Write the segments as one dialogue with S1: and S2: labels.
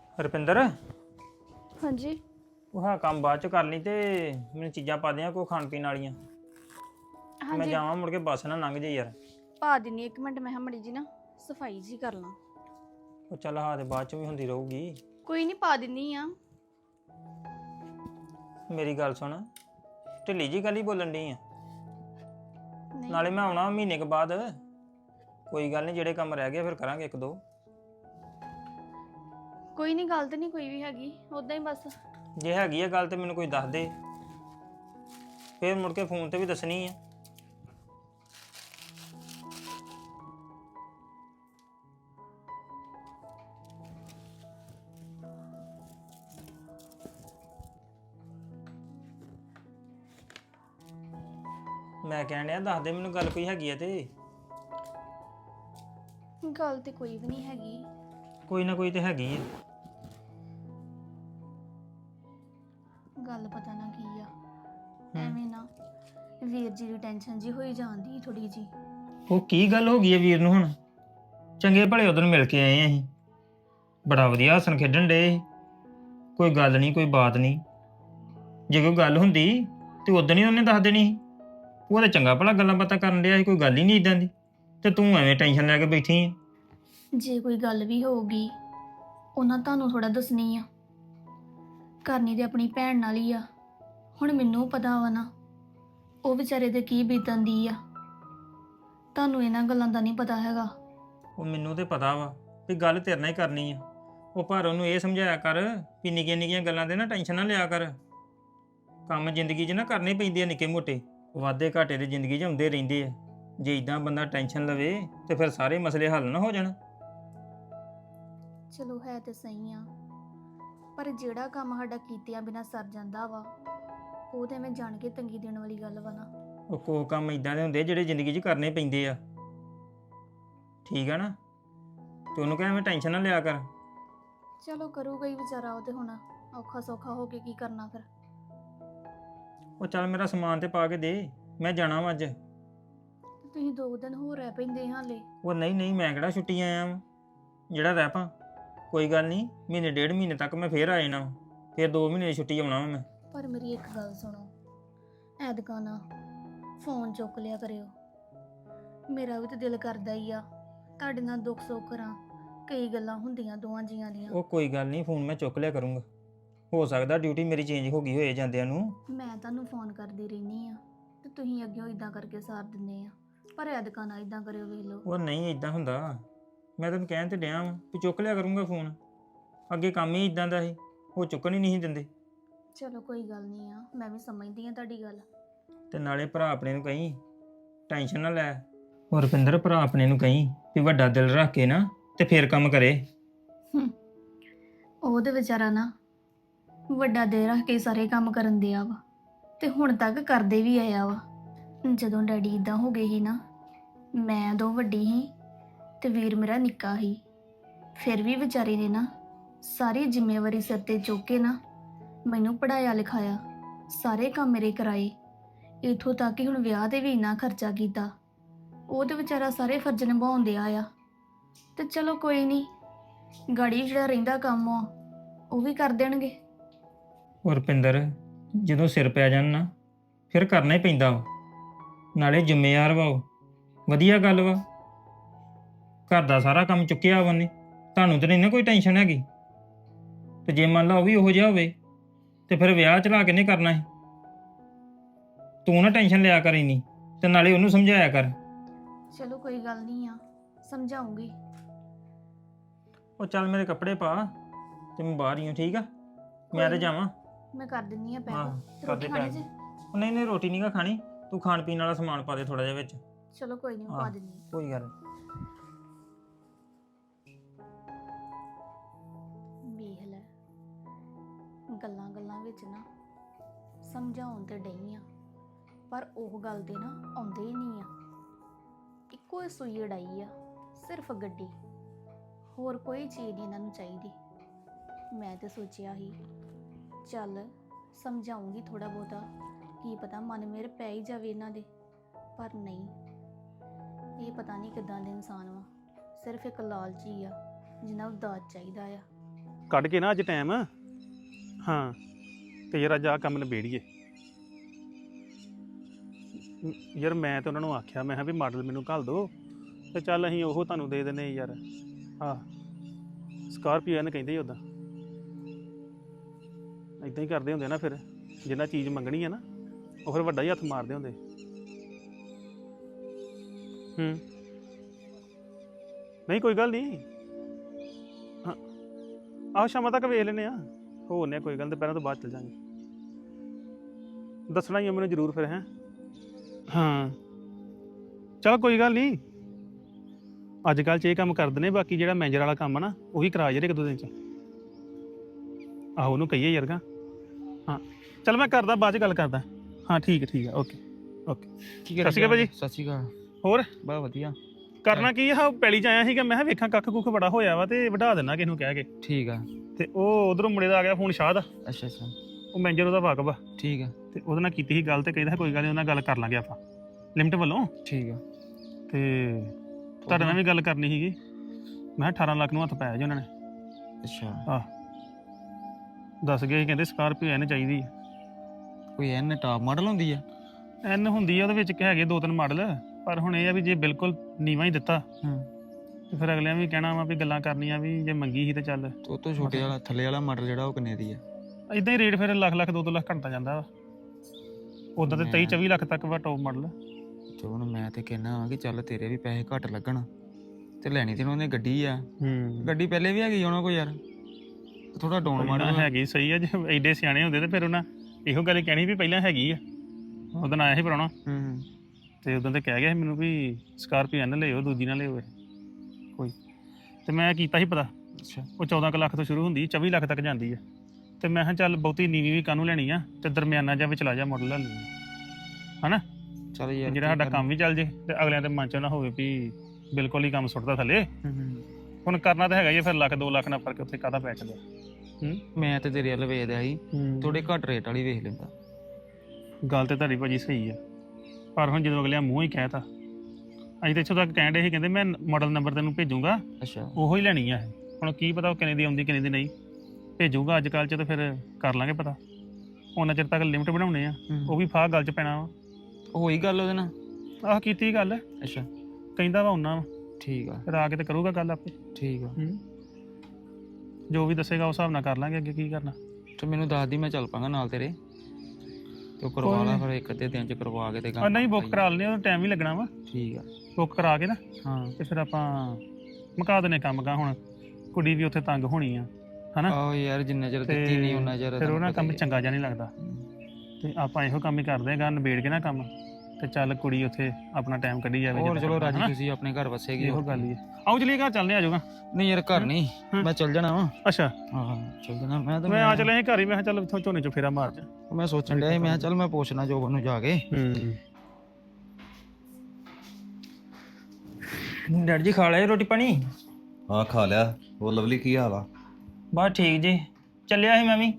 S1: ਰੁਪਿੰਦਰ
S2: ਹਾਂਜੀ।
S1: ਉਹ ਹਾਂ ਕੰਮ ਬਾਅਦ ਚ ਕਰ ਲਈ ਤੇ ਮੈਨੂੰ ਚੀਜ਼ਾਂ ਪਾ ਦਿਆਂ ਕੋਈ ਖਾਣ ਪੀਣ ਵਾਲੀਆਂ। ਮੈਂ
S2: ਹਾਂਜੀ
S1: ਜਾਵਾਂ ਮੁੜ ਕੇ ਬੱਸ ਨਾ ਲੰਘ ਜੇ ਯਾਰ।
S2: ਪਾ ਦਿੰਨੀ 1 ਮਿੰਟ, ਮੈਂ ਮੜੀ ਜੀ ਨਾ ਸਫਾਈ ਜੀ ਕਰ ਲਾਂ।
S1: ਉਹ ਚੱਲ ਹਾਂ ਤੇ ਬਾਅਦ ਚ ਵੀ ਹੁੰਦੀ ਰਹੂਗੀ।
S2: ਕੋਈ ਨਹੀਂ, ਪਾ ਦਿੰਨੀ ਆ।
S1: ਮੇਰੀ ਗੱਲ ਸੁਣ, ਢਿੱਲੀ ਜੀ ਗੱਲ ਹੀ ਬੋਲਣ ਡਈ ਆ।
S2: ਨਹੀਂ
S1: ਨਾਲੇ ਮੈਂ ਆਉਣਾ ਮਹੀਨੇ ਕੁ ਬਾਅਦ। ਕੋਈ ਗੱਲ ਨਹੀਂ, ਜਿਹੜੇ ਕੰਮ ਰਹਿ ਗਏ ਫਿਰ ਕਰਾਂਗੇ ਇੱਕ ਦੋ।
S2: ਕੋਈ ਨਹੀਂ, ਗੱਲ ਤਾਂ ਨਹੀਂ ਕੋਈ ਵੀ ਹੈਗੀ, ਉਦਾਂ ਹੀ ਬਸ।
S1: ਜੇ ਹੈਗੀ ਆ ਗੱਲ ਤੇ ਮੈਨੂੰ ਕੋਈ ਦੱਸ ਦੇ, ਫਿਰ ਮੁੜ ਕੇ ਫੋਨ ਤੇ ਵੀ ਦੱਸਣੀ ਆ। ਮੈਂ ਕਹਿਣ ਡਿਆ ਦੱਸ ਦੇ ਮੈਨੂੰ, ਗੱਲ ਕੋਈ ਹੈਗੀ ਆ ਤੇ।
S2: ਗੱਲ ਤੇ ਕੋਈ ਵੀ ਨਹੀਂ ਹੈਗੀ।
S1: ਕੋਈ ਨਾ ਕੋਈ ਤੇ ਹੈਗੀ ਆ।
S2: ਗੱਲ ਪਤਾ ਨਾ ਕੀ ਆ, ਐਵੇਂ ਨਾ ਵੀਰ ਜੀ ਦੀ ਟੈਨਸ਼ਨ ਜੀ ਹੋਈ ਜਾਂਦੀ ਥੋੜੀ ਜੀ।
S1: ਉਹ ਕੀ ਗੱਲ ਹੋ ਗਈ ਹੈ ਵੀਰ ਨੂੰ ਹੁਣ? ਚੰਗੇ ਭਲੇ ਉਦੋਂ ਮਿਲ ਕੇ ਆਏ ਅਸੀਂ, ਬੜਾ ਵਧੀਆ ਹੱਸਣ ਖੇਡਣ ਡਏ ਸੀ। ਕੋਈ ਗੱਲ ਨਹੀਂ, ਕੋਈ ਬਾਤ ਨਹੀਂ। ਜੇ ਕੋਈ ਗੱਲ ਹੁੰਦੀ ਤੇ ਉਦੋਂ ਹੀ ਉਹਨੇ ਦੱਸ ਦੇਣੀ ਸੀ। ਉਹ ਤਾਂ ਚੰਗਾ ਭਲਾ ਗੱਲਾਂ ਬਾਤਾਂ ਕਰਨ ਡਿਆ ਸੀ, ਕੋਈ ਗੱਲ ਹੀ ਨਹੀਂ ਇਦਾਂ ਦੀ। ਤੇ ਤੂੰ ਐਵੇਂ ਟੈਨਸ਼ਨ ਲੈ ਕੇ ਬੈਠੀ ਆ।
S2: ਜੇ ਕੋਈ ਗੱਲ ਵੀ ਹੋਊਗੀ ਉਹਨਾਂ ਤੁਹਾਨੂੰ ਥੋੜਾ ਦੱਸਣੀ ਆ, ਕਰਨੀ ਤੇ ਆਪਣੀ ਭੈਣ ਨਾਲ ਹੀ ਆ। ਹੁਣ ਮੈਨੂੰ ਪਤਾ ਵਾ ਨਾ ਉਹ ਵਿਚਾਰੇ ਤੇ ਕੀ ਬੀਤਣ ਦੀ ਆ, ਤੁਹਾਨੂੰ ਇਹਨਾਂ ਗੱਲਾਂ ਦਾ ਨਹੀਂ ਪਤਾ ਹੈਗਾ।
S1: ਉਹ ਮੈਨੂੰ ਤੇ ਪਤਾ ਵਾ ਵੀ ਗੱਲ ਤੇਰੇ ਨਾਲ ਹੀ ਕਰਨੀ ਆ। ਉਹ ਪਰ ਉਹਨੂੰ ਇਹ ਸਮਝਾਇਆ ਕਰ ਵੀ ਨਿੱਕੀਆਂ ਨਿੱਕੀਆਂ ਗੱਲਾਂ ਦੇ ਨਾ ਟੈਨਸ਼ਨ ਨਾ ਲਿਆ ਕਰ। ਕੰਮ ਜ਼ਿੰਦਗੀ 'ਚ ਨਾ ਕਰਨੇ ਪੈਂਦੇ ਆ ਨਿੱਕੇ ਮੋਟੇ, ਵਾਧੇ ਘਾਟੇ ਦੇ ਜ਼ਿੰਦਗੀ 'ਚ ਆਉਂਦੇ ਰਹਿੰਦੇ ਆ। ਜੇ ਇਦਾਂ ਬੰਦਾ ਟੈਨਸ਼ਨ ਲਵੇ ਤੇ ਫਿਰ ਸਾਰੇ ਮਸਲੇ ਹੱਲ ਨਾ ਹੋ ਜਾਣ।
S2: ਚਲੋ ਹੈ ਤੇ ਸਹੀ ਆ, ਪਰ ਜਿਹੜਾ ਕੰਮ ਸਾਡਾ ਕੀਤਿਆਂ ਬਿਨਾਂ ਸਰ ਜਾਂਦਾ ਵਾ, ਉਹ ਤੇ ਐਵੇਂ ਜਾਣ ਕੇ ਤੰਗੀ ਦੇਣ ਵਾਲੀ ਗੱਲ ਵਾ ਨਾ।
S1: ਉਹ ਕੋ ਕੰਮ ਇਦਾਂ ਦੇ ਹੁੰਦੇ ਜਿਹੜੇ ਜ਼ਿੰਦਗੀ 'ਚ ਕਰਨੇ ਪੈਂਦੇ ਆ। ਠੀਕ ਆ ਨਾ? ਤੇ ਉਹਨੂੰ ਕਹਿ ਐਵੇਂ ਟੈਨਸ਼ਨ ਨਾ ਲਿਆ ਕਰ।
S2: ਚਲੋ ਕਰੂਗਾ ਹੀ ਵਿਚਾਰਾ, ਉਹ ਤੇ ਹੁਣ ਔਖਾ ਸੌਖਾ ਹੋ ਕੇ ਕੀ ਕਰਨਾ ਫਿਰ।
S1: ਉਹ ਚੱਲ ਮੇਰਾ ਸਮਾਨ ਤੇ ਪਾ ਕੇ ਦੇ, ਮੈਂ ਜਾਣਾ ਵਾ ਅੱਜ।
S2: ਤੇ ਤੁਸੀਂ 2 ਦਿਨ ਹੋਰ ਰਹਿ ਪੈਂਦੇ ਹਾਲੇ।
S1: ਉਹ ਨਹੀਂ ਨਹੀਂ, ਮੈਂ ਕਿਹੜਾ ਛੁੱਟੀ ਆਇਆ ਵਾਂ ਜਿਹੜਾ ਰਹਿ ਪਾ। ਕੋਈ ਗੱਲ ਨਹੀਂ, ਮਹੀਨੇ ਡੇਢ ਮਹੀਨੇ ਤੱਕ ਮੈਂ ਫੇਰ ਆ ਜਾਣਾ ਵਾ। ਫਿਰ 2 ਮਹੀਨੇ ਦੀ ਛੁੱਟੀ ਆਉਣਾ ਵਾ ਮੈਂ।
S2: ਪਰ ਮੇਰੀ ਇੱਕ ਗੱਲ ਸੁਣੋ, ਐਤਕਾਂ ਨਾ ਫੋਨ ਚੁੱਕ ਲਿਆ ਕਰਿਓ। ਮੇਰਾ ਵੀ ਤਾਂ ਦਿਲ ਕਰਦਾ ਹੀ ਆ ਤੁਹਾਡੇ ਨਾਲ ਦੁੱਖ ਸੁੱਖ ਕਰਾਂ, ਕਈ ਗੱਲਾਂ ਹੁੰਦੀਆਂ ਦੋਵਾਂ ਜੀਆਂ ਦੀਆਂ।
S1: ਉਹ ਕੋਈ ਗੱਲ ਨਹੀਂ, ਫੋਨ ਮੈਂ ਚੁੱਕ ਲਿਆ ਕਰੂੰਗਾ। ਹੋ ਸਕਦਾ ਡਿਊਟੀ ਮੇਰੀ ਚੇਂਜ ਹੋ ਗਈ ਹੋਏ ਜਾਂਦਿਆਂ ਨੂੰ।
S2: ਮੈਂ ਤੁਹਾਨੂੰ ਫੋਨ ਕਰਦੀ ਰਹਿੰਦੀ ਆ ਤੇ ਤੁਸੀਂ ਅੱਗੇ ਇਦਾਂ ਕਰਕੇ ਸਾਰ ਦਿੰਦੇ ਆ, ਪਰ ਐਤਕਾਂ ਨਾ ਇਦਾਂ ਕਰਿਓ, ਵੇਖ ਲਓ।
S1: ਉਹ ਨਹੀਂ ਇਦਾਂ ਹੁੰਦਾ, ਮੈਂ ਤੈਨੂੰ ਕਹਿਣ ਤੇ ਡਿਆ ਵਾਂ ਵੀ ਚੁੱਕ ਲਿਆ ਕਰੂੰਗਾ ਫੋਨ। ਅੱਗੇ ਕੰਮ ਹੀ ਇਦਾਂ ਦਾ ਸੀ, ਉਹ ਚੁੱਕਣ ਹੀ ਨਹੀਂ ਦਿੰਦੇ।
S2: ਚਲੋ ਕੋਈ ਗੱਲ ਨਹੀਂ ਆ, ਮੈਂ ਵੀ ਸਮਝਦੀ ਆ ਤੁਹਾਡੀ ਗੱਲ।
S1: ਤੇ ਨਾਲੇ ਭਰਾ ਆਪਣੇ ਨੂੰ ਕਹੀਂ ਟੈਨਸ਼ਨ ਨਾ ਲੈ। ਹੋਰ ਰੁਪਿੰਦਰ, ਭਰਾ ਆਪਣੇ ਨੂੰ ਕਹੀਂ ਵੀ ਵੱਡਾ ਦਿਲ ਰੱਖ ਕੇ ਨਾ ਤੇ ਫੇਰ ਕੰਮ ਕਰੇ।
S2: ਉਹ ਤੇ ਵਿਚਾਰਾ ਨਾ ਵੱਡਾ ਦੇ ਰੱਖ ਕੇ ਸਾਰੇ ਕੰਮ ਕਰਨ ਦਿਆ ਵਾ, ਤੇ ਹੁਣ ਤੱਕ ਕਰਦੇ ਵੀ ਆਇਆ ਵਾ। ਜਦੋਂ ਡੈਡੀ ਇਦਾਂ ਹੋ ਗਏ ਸੀ ਨਾ, ਮੈਂ ਉਦੋਂ ਵੱਡੀ ਸੀ ਤੇ ਵੀਰ ਮੇਰਾ ਨਿੱਕਾ ਸੀ, ਫਿਰ ਵੀ ਵਿਚਾਰੇ ਨੇ ਨਾ ਸਾਰੀ ਜ਼ਿੰਮੇਵਾਰੀ ਸਿਰ ਤੇ ਚੁੱਕ ਕੇ ਨਾ ਮੈਨੂੰ ਪੜਾਇਆ ਲਿਖਾਇਆ, ਸਾਰੇ ਕੰਮ ਮੇਰੇ ਕਰਾਏ, ਇੱਥੋਂ ਤੱਕ ਕਿ ਹੁਣ ਵਿਆਹ ਤੇ ਵੀ ਇੰਨਾ ਖਰਚਾ ਕੀਤਾ। ਉਹ ਤੇ ਵਿਚਾਰਾ ਸਾਰੇ ਫਰਜ਼ ਨਿਭਾਉਣ ਦਿਆ ਆ। ਤੇ ਚਲੋ ਕੋਈ ਨਹੀਂ, ਗਾੜੀ ਜਿਹੜਾ ਰਹਿੰਦਾ ਕੰਮ ਆ ਉਹ ਵੀ ਕਰ ਦੇਣਗੇ।
S1: ਹੋਰ ਰੁਪਿੰਦਰ, ਜਦੋਂ ਸਿਰ ਪੈ ਜਾਣ ਨਾ ਫਿਰ ਕਰਨਾ ਹੀ ਪੈਂਦਾ ਵਾ। ਨਾਲੇ ਜ਼ਿੰਮੇਵਾਰ ਵਾ ਉਹ, ਵਧੀਆ ਗੱਲ ਵਾ। ਘਰ ਦਾ ਸਾਰਾ ਕੰਮ ਚੁੱਕਿਆ ਵਾ ਉਹਨੇ, ਤੁਹਾਨੂੰ ਤਾਂ ਨਹੀਂ ਨਾ ਕੋਈ ਟੈਨਸ਼ਨ ਹੈਗੀ। ਤੇ ਜੇ ਮੰਨ ਲਾ ਉਹ ਵੀ ਉਹੋ ਜਿਹਾ ਹੋਵੇ ਤੇ ਫਿਰ ਵਿਆਹ ਚਲਾ ਕਿਹਨੇ ਕਰਨਾ ਸੀ? ਤੂੰ ਨਾ ਟੈਨਸ਼ਨ ਲਿਆ ਕਰ ਇੰਨੀ, ਤੇ ਨਾਲੇ ਉਹਨੂੰ ਸਮਝਾਇਆ ਕਰ।
S2: ਚਲੋ ਕੋਈ ਗੱਲ ਨਹੀਂ ਆ, ਸਮਝਾਉਂਗੀ।
S1: ਉਹ ਚੱਲ ਮੇਰੇ ਕੱਪੜੇ ਪਾ ਤੇ ਮੈਂ ਬਾਹਰ ਹੀ ਹਾਂ, ਠੀਕ ਆ? ਮੈਂ ਤੇ ਜਾਵਾਂ।
S2: ਮੈਂ ਕਰ ਦਿੰਨੀ ਆ
S1: ਹਾਂ,
S2: ਪੈਕ।
S1: ਕਰਦੇ
S2: ਰੋਟੀ ਖਾਣੀ
S1: ਪੈਕ।
S2: ਜੀ?
S1: ਉਹ ਨਹੀਂ ਨਹੀਂ, ਰੋਟੀ ਨਹੀਂ ਗਾ ਖਾਣੀ। ਤੂੰ ਖਾਣ ਪੀਣ ਵਾਲਾ ਸਮਾਨ ਪਾ ਦੇ ਥੋੜਾ ਜਿਹਾ ਵਿੱਚ।
S2: ਚਲੋ ਕੋਈ ਨਹੀਂ, ਪਾ
S1: ਹਾਂ,
S2: ਦਿੰਨੀ ਆ।
S1: ਕੋਈ ਗੱਲ ਨੀ।
S2: ਵੇਖ ਲੈ, ਗੱਲਾਂ ਗੱਲਾਂ ਵਿੱਚ ਨਾ ਸਮਝਾਉਣ ਤੇ ਡਈ ਆ, ਪਰ ਉਹ ਗੱਲ ਦੇ ਨਾ ਆਉਂਦੇ ਹੀ ਨਹੀਂ ਆ। ਇੱਕੋ ਹੀ ਸੂਈ ਅੜਾਈ ਆ, ਸਿਰਫ ਗੱਡੀ, ਹੋਰ ਕੋਈ ਚੀਜ਼ ਨਹੀਂ ਇਹਨਾਂ ਨੂੰ ਚਾਹੀਦੀ। ਮੈਂ ਤੇ ਸੋਚਿਆ ਸੀ ਚੱਲ ਸਮਝਾਉਂਗੀ ਥੋੜਾ ਬਹੁਤਾ, ਕੀ ਪਤਾ ਮਨ ਮੇਰ ਪੈ ਹੀ ਜਾਵੇ ਇਹਨਾਂ ਦੇ, ਪਰ ਨਹੀਂ। ਇਹ ਪਤਾ ਨਹੀਂ ਕਿੱਦਾਂ ਦੇ ਇਨਸਾਨ ਵਾ, ਸਿਰਫ ਇੱਕ ਲਾਲਚੀ ਆ ਜਿਨ੍ਹਾਂ ਨੂੰ ਦਾਜ ਚਾਹੀਦਾ ਆ।
S3: ਕੱਢ ਕੇ ਨਾ ਅੱਜ ਟਾਈਮ ਹਾਂ ਤੇ ਯਾਰ ਅੱਜ ਆਹ ਕੰਮ ਨਿਬੇੜੀਏ। ਯਾਰ ਮੈਂ ਤਾਂ ਉਹਨਾਂ ਨੂੰ ਆਖਿਆ ਮੈਂ ਕਿਹਾ ਵੀ ਮਾਡਲ ਮੈਨੂੰ ਘੱਲ ਦਿਓ ਤੇ ਚੱਲ ਅਸੀਂ ਉਹ ਤੁਹਾਨੂੰ ਦੇ ਦਿੰਦੇ ਯਾਰ। ਹਾਂ ਸਕਾਰਪੀਓ ਇਹਨੇ ਕਹਿੰਦੇ ਹੀ ਉੱਦਾਂ ਇਦਾਂ ਹੀ ਕਰਦੇ ਹੁੰਦੇ ਨਾ ਫਿਰ ਜਿੰਨਾ ਚੀਜ਼ ਮੰਗਣੀ ਹੈ ਨਾ ਉਹ ਫਿਰ ਵੱਡਾ ਹੀ ਹੱਥ ਮਾਰਦੇ ਹੁੰਦੇ। ਨਹੀਂ ਕੋਈ ਗੱਲ ਨਹੀਂ। ਹਾਂ ਆਹ ਸ਼ਾਮਾਂ ਤੱਕ ਵੇਖ ਲੈਂਦੇ ਆ ਹੋ ਨੇ ਕੋਈ ਗੱਲ ਨਹੀਂ ਦੁਪਹਿਰਾਂ ਤੋਂ ਬਾਅਦ ਚੱਲ ਜਾਂਗੇ। ਦੱਸਣਾ ਹੀ ਆ ਮੈਨੂੰ ਜ਼ਰੂਰ ਫਿਰ ਹੈਂ। ਹਾਂ ਚਲ ਕੋਈ ਗੱਲ ਨਹੀਂ ਅੱਜ ਕੱਲ੍ਹ 'ਚ ਇਹ ਕੰਮ ਕਰਦੇ ਨੇ ਬਾਕੀ ਜਿਹੜਾ ਮੈਨੇਜਰ ਵਾਲਾ ਕੰਮ ਆ ਨਾ ਉਹ ਵੀ ਕਰਾ ਜੇ ਇੱਕ ਦੋ ਦਿਨ 'ਚ। ਆਹੋ ਉਹਨੂੰ ਕਹੀਏ ਯਾਰ ਹਾਂ ਚਲ ਮੈਂ ਕਰਦਾ ਬਾਅਦ 'ਚ ਗੱਲ ਕਰਦਾ। ਹਾਂ ਠੀਕ ਹੈ ਓਕੇ ਓਕੇ। ਸਤਿ ਸ਼੍ਰੀ ਅਕਾਲ ਭਾਜੀ।
S4: ਸਤਿ ਸ਼੍ਰੀ ਅਕਾਲ।
S3: ਹੋਰ
S4: ਬੜਾ ਵਧੀਆ।
S3: ਕਰਨਾ ਕੀ ਆ ਪੈਲੀ 'ਚ ਆਇਆ ਸੀਗਾ ਮੈਂ ਕਿਹਾ ਵੇਖਾਂ ਕੱਖ ਕੁੱਖ ਬੜਾ ਹੋਇਆ ਵਾ ਤੇ ਵਢਾ ਦੇਣਾ ਕਿਸੇ ਨੂੰ ਕਹਿ ਕੇ।
S4: ਠੀਕ ਆ।
S3: ਤੇ ਉਹ ਉਧਰੋਂ ਮੁੰਡੇ ਦਾ ਆ ਗਿਆ ਫੋਨ ਸ਼ਾਹ ਦਾ।
S4: ਅੱਛਾ ਅੱਛਾ
S3: ਉਹ ਮੈਨੇਜਰ ਉਹਦਾ ਵਾਕਬ ਆ
S4: ਠੀਕ ਆ।
S3: ਤੇ ਉਹਦੇ ਨਾਲ ਕੀਤੀ ਸੀ ਗੱਲ ਤੇ ਕਹਿੰਦਾ ਕੋਈ ਗੱਲ ਨਹੀਂ ਉਹਨਾਂ ਨਾਲ ਗੱਲ ਕਰ ਲਾਂਗੇ ਆਪਾਂ ਲਿਮਟ ਵੱਲੋਂ।
S4: ਠੀਕ ਆ।
S3: ਤੇ ਤੁਹਾਡੇ ਨਾਲ ਵੀ ਗੱਲ ਕਰਨੀ ਸੀਗੀ ਮੈਂ ਕਿਹਾ 18 ਲੱਖ ਨੂੰ ਹੱਥ ਪਾਇਆ ਜੀ ਉਹਨਾਂ ਨੇ।
S4: ਅੱਛਾ
S3: ਆਹ ਦੱਸ ਗਏ ਸੀ ਕਹਿੰਦੇ ਸਕਾਰਪੀਓ ਐਨ ਚਾਹੀਦੀ ਆ।
S4: ਕੋਈ ਐਨ ਟਾਪ ਮਾਡਲ ਹੁੰਦੀ ਆ?
S3: ਐਨ ਹੁੰਦੀ ਆ ਉਹਦੇ ਵਿੱਚ ਕਿ ਹੈਗੇ 2-3 ਮਾਡਲ ਪਰ ਹੁਣ ਇਹ ਆ ਵੀ ਜੇ ਬਿਲਕੁਲ ਨੀਵਾਂ ਹੀ ਦਿੱਤਾ ਤੇ ਫਿਰ ਅਗਲਿਆਂ ਵੀ ਕਹਿਣਾ ਵਾ ਵੀ ਗੱਲਾਂ ਕਰਨੀਆਂ ਵੀ ਜੇ ਮੰਗੀ ਸੀ ਤੇ ਚੱਲ।
S4: ਉਹ ਤੋਂ ਛੋਟੇ ਵਾਲਾ ਥੱਲੇ ਵਾਲਾ ਮਾਡਲ ਜਿਹੜਾ ਉਹ ਕਿੰਨੇ ਦੀ ਆ?
S3: ਇਦਾਂ ਹੀ ਰੇਟ ਫਿਰ ਲੱਖ 2-2 ਲੱਖ ਘਟਦਾ ਜਾਂਦਾ ਵਾ ਉਦਾਂ ਤੇ 23-24 ਲੱਖ ਤੱਕ ਵਾ ਟੌਪ ਮਾਡਲ।
S4: ਚਲੋ ਮੈਂ ਤੇ ਕਹਿਣਾ ਵਾ ਕਿ ਚੱਲ ਤੇਰੇ ਵੀ ਪੈਸੇ ਘੱਟ ਲੱਗਣ ਤੇ ਲੈਣੀ ਤੇ ਉਹਨੇ ਗੱਡੀ ਆ। ਗੱਡੀ ਪਹਿਲੇ ਵੀ ਹੈਗੀ ਉਹਨਾਂ ਕੋਲ ਯਾਰ ਥੋੜਾ ਡਾਊਨ ਮਾਡਲ
S3: ਹੈਗੀ ਸਹੀ ਆ ਜੇ ਐਡੇ ਸਿਆਣੇ ਹੁੰਦੇ ਤੇ ਫਿਰ ਉਹਨਾਂ ਇਹੋ ਗੱਲ ਕਹਿਣੀ ਵੀ ਪਹਿਲਾਂ ਹੈਗੀ ਆ। ਉਹਦਾ ਆਇਆ ਸੀ ਪ੍ਰਾਹੁਣਾ ਤੇ ਉਦੋਂ ਤੇ ਕਹਿ ਗਿਆ ਸੀ ਮੈਨੂੰ ਵੀ ਸਕਾਰਪੀਓ ਐਨ ਲਿਓ ਦੂਜੀ ਨਾ ਲਿਓ ਕੋਈ। ਤੇ ਮੈਂ ਕੀਤਾ ਸੀ ਪਤਾ।
S4: ਅੱਛਾ
S3: ਉਹ 14 ਲੱਖ ਤੋਂ ਸ਼ੁਰੂ ਹੁੰਦੀ 24 ਲੱਖ ਤੱਕ ਜਾਂਦੀ ਆ ਤੇ ਮੈਂ ਕਿਹਾ ਚੱਲ ਬਹੁਤੀ ਨੀਵੀਂ ਵੀ ਕਾਹਨੂੰ ਲੈਣੀ ਆ ਤੇ ਦਰਮਿਆਨਾ ਜਿਹਾ ਵਿਚਲਾ ਜਾ ਮਾਡਲ ਲੈ ਲਈ ਹਨਾ।
S4: ਚੱਲ ਯਾਰ
S3: ਜਿਹੜਾ ਸਾਡਾ ਕੰਮ ਵੀ ਚੱਲ ਜੇ ਤੇ ਅਗਲਿਆਂ ਦੇ ਮਨ ਚ ਨਾ ਹੋਵੇ ਵੀ ਬਿਲਕੁਲ ਹੀ ਕੰਮ ਸੁੱਟਦਾ ਥੱਲੇ। ਹੁਣ ਕਰਨਾ ਤਾਂ ਹੈਗਾ ਜੀ ਫਿਰ ਲੱਖ 2 ਲੱਖ ਨਾਲ ਫਰਕ ਉੱਥੇ ਕਾਹਦਾ ਪੈ ਚੱਲਿਆ।
S4: ਮੈਂ ਤੇ ਤੇਰੇ ਵੱਲ ਵੇਖਦਾ ਸੀ ਥੋੜੇ ਘੱਟ ਰੇਟ ਵਾਲੀ ਵੇਖ ਲੈਂਦਾ।
S3: ਗੱਲ ਤੇ ਤੁਹਾਡੀ ਭਾਜੀ ਸਹੀ ਆ ਪਰ ਹੁਣ ਜਦੋਂ ਅਗਲਿਆਂ ਮੂੰਹ ਹੀ ਕਹਿਤਾ ਅਸੀਂ ਤਾਂ ਇੱਥੋਂ ਤੱਕ ਕਹਿਣ ਡੇ ਸੀ ਕਹਿੰਦੇ ਮੈਂ ਮਾਡਲ ਨੰਬਰ ਤੈਨੂੰ ਭੇਜੂਗਾ
S4: ਅੱਛਾ
S3: ਉਹੋ ਹੀ ਲੈਣੀ ਆ ਇਹ। ਹੁਣ ਕੀ ਪਤਾ ਉਹ ਕਿੰਨੇ ਦੀ ਆਉਂਦੀ ਕਿੰਨੇ ਦੀ ਨਹੀਂ ਭੇਜੂਗਾ ਅੱਜ ਕੱਲ੍ਹ 'ਚ ਤਾਂ ਫਿਰ ਕਰ ਲਾਂਗੇ ਪਤਾ। ਉਹਨਾਂ ਚਿਰ ਤੱਕ ਲਿਮਟ ਬਣਾਉਣੇ ਆ ਉਹ ਵੀ ਫਾਹ ਗੱਲ 'ਚ ਪੈਣਾ ਵਾ।
S4: ਹੋਈ ਗੱਲ ਉਹਦੇ ਨਾਲ?
S3: ਆਹ ਕੀਤੀ ਗੱਲ
S4: ਅੱਛਾ
S3: ਕਹਿੰਦਾ ਵਾ ਉਹਨਾਂ
S4: ਠੀਕ ਆ।
S3: ਫਿਰ ਆ ਕੇ ਤੇ ਕਰੂਗਾ ਗੱਲ ਆਪੇ।
S4: ਠੀਕ ਆ
S3: ਜੋ ਵੀ ਦੱਸੇਗਾ ਉਸ ਹਿਸਾਬ ਨਾਲ ਕਰ ਲਾਂਗੇ ਅੱਗੇ ਕੀ ਕਰਨਾ।
S4: ਤੇ ਮੈਨੂੰ ਦੱਸ ਦੀ ਮੈਂ ਚੱਲ ਪਾਂਗਾ ਨਾਲ ਤੇਰੇ ਤੇ ਉਹ ਕਰਵਾ ਲਾ ਫਿਰ ਇੱਕ ਅੱਧੇ ਦਿਨ ਚ ਕਰਵਾ ਕੇ ਤੇ ਕੰਮ।
S3: ਨਹੀਂ ਬੁੱਕ ਕਰਾ ਲੈਣੇ ਉਹਦਾ ਟਾਈਮ ਵੀ ਲੱਗਣਾ ਵਾ।
S4: ਠੀਕ ਆ
S3: ਬੁੱਕ ਕਰਾ ਕੇ ਨਾ
S4: ਹਾਂ
S3: ਤੇ ਫਿਰ ਆਪਾਂ ਮੁਕਾ ਦਨੇ ਕੰਮ ਗਾ। ਹੁਣ ਕੁੜੀ ਵੀ ਉੱਥੇ ਤੰਗ ਹੋਣੀ ਆ ਹਨਾ।
S4: ਆਹੋ ਯਾਰ ਜਿੰਨਾ ਚਿਰ ਦਿੱਤੀ ਨਹੀਂ ਉਹਨਾਂ ਚਿਰ
S3: ਫਿਰ ਉਹਨਾਂ ਕੰਮ ਚੰਗਾ ਜਿਹਾ ਨਹੀਂ ਲੱਗਦਾ ਤੇ ਆਪਾਂ ਇਹੋ ਕੰਮ ਹੀ ਕਰਦੇ ਗਾ ਨਿਬੇੜ ਕੇ ਨਾ ਕੰਮ ਤੇ ਚੱਲ ਕੁੜੀ ਉੱਥੇ ਆਪਣਾ ਟਾਈਮ ਕੱਢੀ ਜਾਵੇ।
S4: ਹੋਰ ਚਲੋ ਰਾਜੀ ਤੁਸੀਂ ਆਪਣੇ ਘਰ ਵਸੇਗੀ
S3: ਇਹੋ ਗੱਲ ਹੀ ਹੈ। ਆਓ ਚਲੀਏ ਘਰ ਚੱਲਦੇ ਆ ਜਾਊਗਾ।
S4: ਨਹੀਂ ਯਾਰ ਘਰ ਨਹੀਂ ਮੈਂ ਚੱਲ ਜਾਣਾ ਵਾ।
S3: ਅੱਛਾ
S4: ਹਾਂ ਚੱਲ ਜਾਣਾ ਮੈਂ
S3: ਮੈਂ ਆ ਚੱਲਿਆ ਸੀ ਘਰ ਹੀ। ਮੈਂ ਕਿਹਾ ਚੱਲ ਇੱਥੋਂ ਝੋਨੇ 'ਚ ਫੇਰਾ ਮਾਰ ਜਾ।
S4: ਮੈਂ ਸੋਚਣ ਡਿਆ ਸੀ ਮੈਂ ਕਿਹਾ ਚੱਲ ਮੈਂ ਪੁੱਛਣਾ ਜੋਬਨ ਨੂੰ ਜਾ ਕੇ।
S1: ਡੈਡ ਜੀ ਖਾ ਲਿਆ ਰੋਟੀ ਪਾਣੀ?
S5: ਹਾਂ ਖਾ ਲਿਆ। ਹੋਰ ਲਵਲੀ ਕੀ ਹਾਲ ਆ?
S1: ਬਸ ਠੀਕ ਜੀ ਚੱਲਿਆ ਸੀ ਮੈਂ ਵੀ।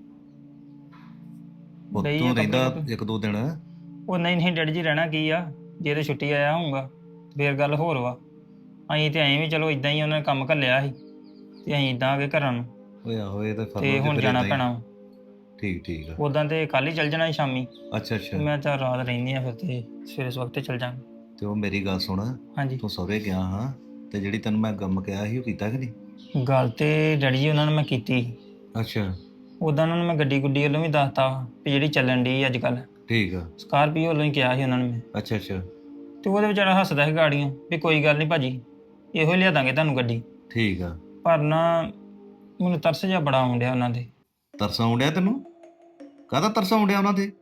S5: ਤੂੰ ਰਹਿੰਦਾ 1-2 ਦਿਨ?
S1: ਉਹ ਨਹੀਂ ਡੈਡ ਜੀ ਰਹਿਣਾ ਕੀ ਆ ਜੇ ਤੇ ਛੁੱਟੀ ਆਇਆ ਹੋਊਗਾ ਫੇਰ ਗੱਲ ਹੋਰ ਵਾ। ਅਸੀਂ ਤੇ ਐਂ ਵੀ ਚਲੋ ਇਦਾਂ ਹੀ ਉਹਨਾਂ ਨੇ ਕੰਮ ਘੱਲਿਆ ਸੀ ਤੇ ਅਸੀਂ ਇਦਾਂ ਆ ਗਏ ਘਰਾਂ ਨੂੰ।
S5: ਓਏ ਆਹੋ ਇਹ ਤਾਂ
S1: ਤੇ ਹੁਣ ਜਾਣਾ ਪੈਣਾ।
S5: ਠੀਕ ਆ।
S1: ਉਦਾਂ ਤੇ ਕੱਲ ਹੀ ਚੱਲ ਜਾਣਾ ਸੀ ਸ਼ਾਮੀ।
S5: ਅੱਛਾ
S1: ਮੈਂ ਤਾਂ ਰਾਤ ਰਹਿੰਦੀ ਆ ਫਿਰ ਤੇ ਸਵੇਰੇ ਵਕਤ ਚੱਲ ਜਾਵਾਂਗੇ।
S5: ਤੇ ਉਹ ਮੇਰੀ ਗੱਲ ਸੁਣ
S1: ਹਾਂਜੀ
S5: ਤੂੰ ਸਹੁਰੇ ਗਿਆ ਹਾਂ ਤੇ ਜਿਹੜੀ ਤੈਨੂੰ ਮੈਂ ਕੰਮ ਕਿਹਾ ਸੀ ਉਹ ਕੀਤਾ ਕਿ ਨਹੀਂ?
S1: ਗੱਲ ਤੇ ਡੈਡੀ ਜੀ ਉਹਨਾਂ ਨੂੰ ਮੈਂ ਕੀਤੀ।
S5: ਅੱਛਾ
S1: ਉਦਾਂ ਉਹਨਾਂ ਨੂੰ ਮੈਂ ਗੱਡੀ ਗੁੱਡੀ ਵੱਲੋਂ ਵੀ ਦੱਸਤਾ ਵੀ ਜਿਹੜੀ ਚੱਲਣ ਡਈ ਅੱਜ ਕੱਲ੍ਹ
S5: ਠੀਕ ਆ।
S1: ਸਕਾਰਪੀਓ ਵੱਲੋਂ ਹੀ ਕਿਹਾ ਸੀ ਉਹਨਾਂ ਨੂੰ ਮੈਂ।
S5: ਅੱਛਾ
S1: ਤੇ ਉਹਦੇ ਵਿਚਾਰਾ ਹੱਸਦਾ ਸੀ ਗਾੜੀਆਂ ਵੀ ਕੋਈ ਗੱਲ ਨਹੀਂ ਭਾਜੀ ਇਹੋ ਹੀ ਲਿਆ ਦਾਂਗੇ ਤੁਹਾਨੂੰ ਗੱਡੀ।
S5: ਠੀਕ ਆ।
S1: ਪਰ ਨਾ ਮੈਨੂੰ ਤਰਸ ਜਿਹਾ ਬੜਾ ਆਉਣ ਡਿਆ ਉਹਨਾਂ ਦੇ।
S5: ਤਰਸ ਆਉਣ ਡਿਆ ਤੈਨੂੰ? ਕਾਹਦਾ ਤਰਸ ਆਉਣ ਡਿਆ ਉਹਨਾਂ ਤੇ?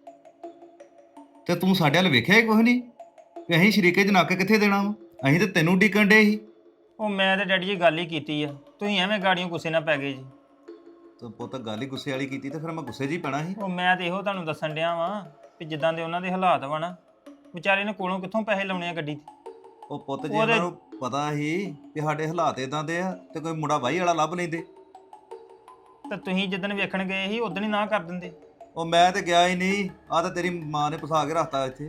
S5: ਤੇ ਤੂੰ ਸਾਡੇ ਵੱਲ ਵੇਖਿਆ ਹੀ ਕੁਛ ਨਹੀਂ ਵੀ ਅਸੀਂ ਸ਼ਰੀਕੇ 'ਚ ਨੱਕ ਕਿੱਥੇ ਦੇਣਾ ਵਾ? ਅਸੀਂ ਤੇ ਤੈਨੂੰ ਡੀਕਣ ਡੇ ਸੀ।
S1: ਉਹ ਮੈਂ ਤੇ ਡੈਡੀ ਜੀ ਗੱਲ ਹੀ ਕੀਤੀ ਆ ਤੁਸੀਂ ਐਵੇਂ ਗਾੜੀਆਂ ਗੁੱਸੇ ਨਾਲ ਪੈ ਗਏ ਜੀ।
S5: ਤੂੰ ਪੁੱਤ ਗੱਲ ਹੀ ਗੁੱਸੇ ਵਾਲੀ ਕੀਤੀ ਤੇ ਫਿਰ ਮੈਂ ਗੁੱਸੇ 'ਚ ਹੀ ਪੈਣਾ ਸੀ।
S1: ਉਹ ਮੈਂ ਤੇ ਇਹੋ ਤੁਹਾਨੂੰ ਦੱਸਣ ਡਿਆ ਵਾਂ ਵੀ ਜਿੱਦਾਂ ਦੇ ਉਹਨਾਂ ਦੇ ਹਾਲਾਤ ਵਾ ਨਾ ਵਿਚਾਰੇ ਨੇ ਕੋਲੋਂ ਕਿੱਥੋਂ ਪੈਸੇ ਲਾਉਣੇ ਆ ਗੱਡੀ ਤੇ।
S5: ਉਹ ਪੁੱਤ ਜੇ ਉਹਨਾਂ ਨੂੰ ਪਤਾ ਸੀ ਕਿ ਸਾਡੇ ਹਾਲਾਤ ਇਦਾਂ ਦੇ ਆ ਤੇ ਕੋਈ ਮੁੰਡਾ ਵਾਹੀ ਵਾਲਾ ਲੱਭ ਲੈਂਦੇ।
S1: ਤਾਂ ਤੁਸੀਂ ਜਿੱਦਣ ਵੇਖਣ ਗਏ ਸੀ ਉਦਣ ਹੀ ਨਾ ਕਰ ਦਿੰਦੇ।
S5: ਉਹ ਮੈਂ ਤੇ ਗਿਆ ਹੀ ਨਹੀਂ। ਆ ਤਾਂ ਤੇਰੀ ਮਾਂ ਨੇ ਫਸਾ ਕੇ ਰੱਖਤਾ ਇੱਥੇ।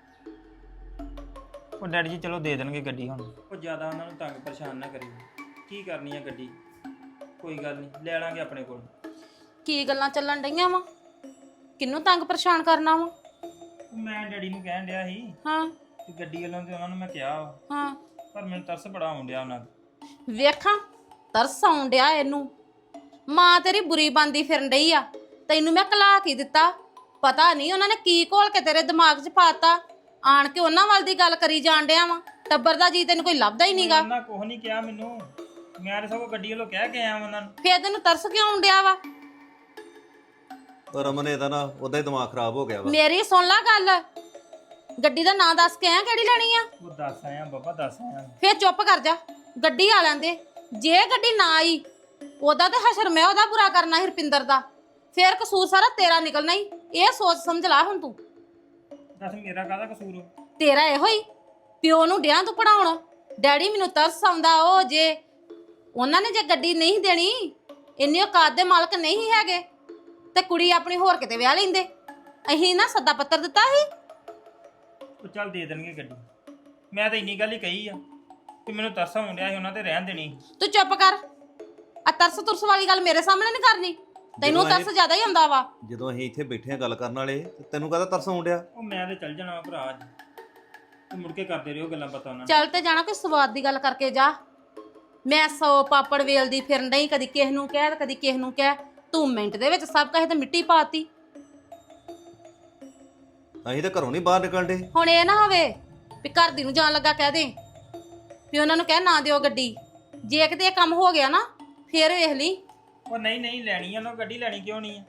S1: ਉਹ ਡੈਡੀ ਜੀ ਚਲੋ ਦੇ ਦੇਣਗੇ ਗੱਡੀ ਹੁਣ। ਉਹ ਜ਼ਿਆਦਾ ਉਹਨਾਂ ਨੂੰ ਤੰਗ ਪਰੇਸ਼ਾਨ ਨਾ ਕਰੀ ਕੀ ਕਰਨੀ ਆ ਗੱਡੀ ਕੋਈ ਗੱਲ ਨਹੀਂ, ਲੈ ਲਾਂਗੇ ਆਪਣੇ ਕੋਲ।
S6: ਕੀ ਗੱਲਾਂ ਚੱਲਣ ਡਈਆਂ ਵਾ? ਕਿਹਨੂੰ ਤੰਗ ਪਰੇਸ਼ਾਨ ਕਰਨਾ ਵਾ?
S1: ਮੈਂ ਡੈਡੀ ਨੂੰ ਕਹਿਣ ਡਿਆ ਸੀ
S6: ਹਾਂ
S1: ਕਿ ਗੱਡੀ ਵੱਲੋਂ ਤੇ ਉਹਨਾਂ ਨੂੰ ਮੈਂ ਕਿਹਾ ਵਾ,
S6: ਹਾਂ
S1: ਪਰ ਮੈਨੂੰ ਤਰਸ ਬੜਾ ਆਉਣ ਡਿਆ ਉਹਨਾਂ ਦਾ।
S6: ਵੇਖਾਂ ਤਰਸ ਆਉਣ ਡਿਆ ਇਹਨੂੰ। ਮਾਂ ਤੇਰੀ ਬੁਰੀ ਬੰਦੀ ਫਿਰਨ ਡਈ ਆ, ਤੈਨੂੰ ਮੈਂ ਕਲਾ ਕੀ ਦਿੱਤਾ? ਪਤਾ ਨਹੀਂ ਉਹਨਾਂ ਨੇ ਕੀ ਘੋਲ ਕੇ ਤੇਰੇ ਦਿਮਾਗ 'ਚ ਪਾਤਾ, ਆਣ ਕੇ ਉਹਨਾਂ ਵੱਲ ਦੀ ਗੱਲ ਕਰੀ ਜਾਣ ਡਿਆ ਵਾ। ਟੱਬਰ ਦਾ ਜੀ ਤੈਨੂੰ ਕੋਈ ਲੱਭਦਾ ਹੀ ਨਹੀਂਗਾ।
S1: ਉਹਨਾਂ ਕੁਛ ਨਹੀਂ ਕਿਹਾ ਮੈਨੂੰ, ਮੈਂ ਤਾਂ ਸਗੋਂ ਗੱਡੀ ਵੱਲੋਂ ਕਹਿ ਕੇ ਆਇਆ ਉਹਨਾਂ ਨੂੰ।
S6: ਫੇਰ ਤੈਨੂੰ ਤਰਸ ਕਿਉਂ ਆਉਣ ਡਿਆ ਵਾ?
S5: ਉਹ ਰਮਨ ਇਹਦਾ ਨਾ ਉਹਦਾ ਹੀ ਦਿਮਾਗ ਖਰਾਬ ਹੋ ਗਿਆ ਵਾ।
S6: ਮੇਰੀ ਸੁਣ ਲੈ ਗੱਲ, ਗੱਡੀ ਦਾ ਨਾਂ ਦੱਸ ਕੇ ਆਇਆ ਕਿਹੜੀ ਲੈਣੀ ਆ?
S1: ਉਹ ਦੱਸ ਆਇਆ ਬਾਬਾ, ਦੱਸ ਆਇਆ।
S6: ਫੇਰ ਚੁੱਪ ਕਰ ਜਾ, ਗੱਡੀ ਆ ਲੈਂਦੇ। ਜੇ ਗੱਡੀ ਨਾ ਆਈ ਉਹਦਾ ਤੇ ਹਸ਼ਰ ਮੈਂ ਉਹਦਾ ਬੁਰਾ ਕਰਨਾ ਸੀ ਰੁਪਿੰਦਰ ਦਾ, ਫੇਰ ਕਸੂਰ ਸਾਰਾ ਤੇਰਾ ਨਿਕਲਣਾ ਹੀ। ਇਹ ਸੋਚ ਸਮਝ ਲਾ ਹੁਣ ਤੂੰ।
S1: ਦੱਸ ਮੇਰਾ ਕਾਹਦਾ ਕਸੂਰ ਵਾ?
S6: ਤੇਰਾ ਇਹੋ ਹੀ ਪਿਓ ਨੂੰ ਡਿਆਂ ਤੂੰ ਪੜਾਉਣ। ਡੈਡੀ ਮੈਨੂੰ ਤਰਸ ਆਉਂਦਾ, ਉਹ ਜੇ ਉਹਨਾਂ ਨੇ ਜੇ ਗੱਡੀ ਨਹੀਂ ਦੇਣੀ, ਇੰਨੀ ਔਕਾਤ ਦੇ ਮਾਲਕ ਨਹੀਂ ਹੈਗੇ, ਤੇ ਕੁੜੀ ਆਪਣੀ ਹੋਰ ਕਿਤੇ ਵਿਆਹ ਲੈਂਦੇ। ਅਹੀਂ ਨਾ ਸੱਦਾ ਪੱਤਰ ਦਿੱਤਾ ਸੀ।
S1: ਉਹ ਚੱਲ ਦੇ ਦੇਣਗੇ ਗੱਡੀ। ਮੈਂ ਤਾਂ ਇੰਨੀ ਗੱਲ ਹੀ ਕਹੀ ਆ ਕਿ ਮੈਨੂੰ ਤਰਸ ਆਉਣ ਡਿਆ ਸੀ, ਉਹਨਾਂ ਤੇ ਰਹਿਣ ਦੇਣੀ।
S6: ਤੂੰ ਚੁੱਪ ਕਰ। ਆ ਤਰਸ ਤੁਰਸ ਵਾਲੀ ਗੱਲ ਮੇਰੇ ਸਾਹਮਣੇ ਨਹੀਂ ਕਰਨੀ। ਤੈਨੂੰ
S5: ਜਦੋਂ
S6: ਤਰਸ ਜ਼ਿਆਦਾ ਹੀ ਆਉਂਦਾ ਵਾ।
S5: ਜਦੋਂ ਅਸੀਂ ਇੱਥੇ ਬੈਠੇ ਆ ਗੱਲ ਕਰਨ ਵਾਲੇ ਤੇ ਤੈਨੂੰ ਕਾਹਦਾ ਤਰਸ ਆਉਣ ਡਿਆ?
S1: ਉਹ ਮੈਂ ਤੇ ਚੱਲ ਜਾਣਾ ਵਾ ਭਰਾ ਅੱਜ, ਤੇ ਮੁੜ ਕੇ ਕਰਦੇ ਰਹੋ ਗੱਲਾਂ ਪਤਾ ਉਹਨਾਂ ਨੂੰ।
S6: ਚੱਲ ਤੇ ਜਾਣਾ, ਕੋਈ ਸਵਾਦ ਦੀ ਗੱਲ ਕਰਕੇ ਜਾ। ਮੈਂ 100 ਪਾਪੜ ਵੇਲਦੀ ਫਿਰਨ ਡਈ, ਕਦੀ ਕਿਸ ਨੂੰ ਕਹਿ ਤੇ ਕਦੀ ਕਿਸ ਨੂੰ ਕਹਿ। ਤੂੰ ਮਿੰਟ ਦੇ ਵਿੱਚ ਸਭ ਕਹੇ ਤੇ ਮਿੱਟੀ ਪਾਤੀ।
S5: ਅਸੀਂ ਤਾਂ ਘਰੋਂ ਨਹੀਂ ਬਾਹਰ ਨਿਕਲਦੇ।
S6: ਹੁਣ ਇਹ ਨਾ ਹੋਵੇ ਵੀ ਘਰ ਦੀ ਨੂੰ ਜਾਣ ਲੱਗਾ ਕਹਿ ਦੇ ਵੀ ਉਹਨਾਂ ਨੂੰ ਕਹਿ ਨਾ ਦਿਓ ਗੱਡੀ। ਜੇ ਕਿਤੇ ਇਹ ਕੰਮ ਹੋ ਗਿਆ ਨਾ ਫੇਰ ਵੇਖ ਲਈ।
S1: ਉਹ ਨਹੀਂ ਨਹੀਂ, ਲੈਣੀ ਆ ਉਹਨਾਂ ਗੱਡੀ, ਲੈਣੀ ਕਿਉਂ ਨਹੀਂ ਆ?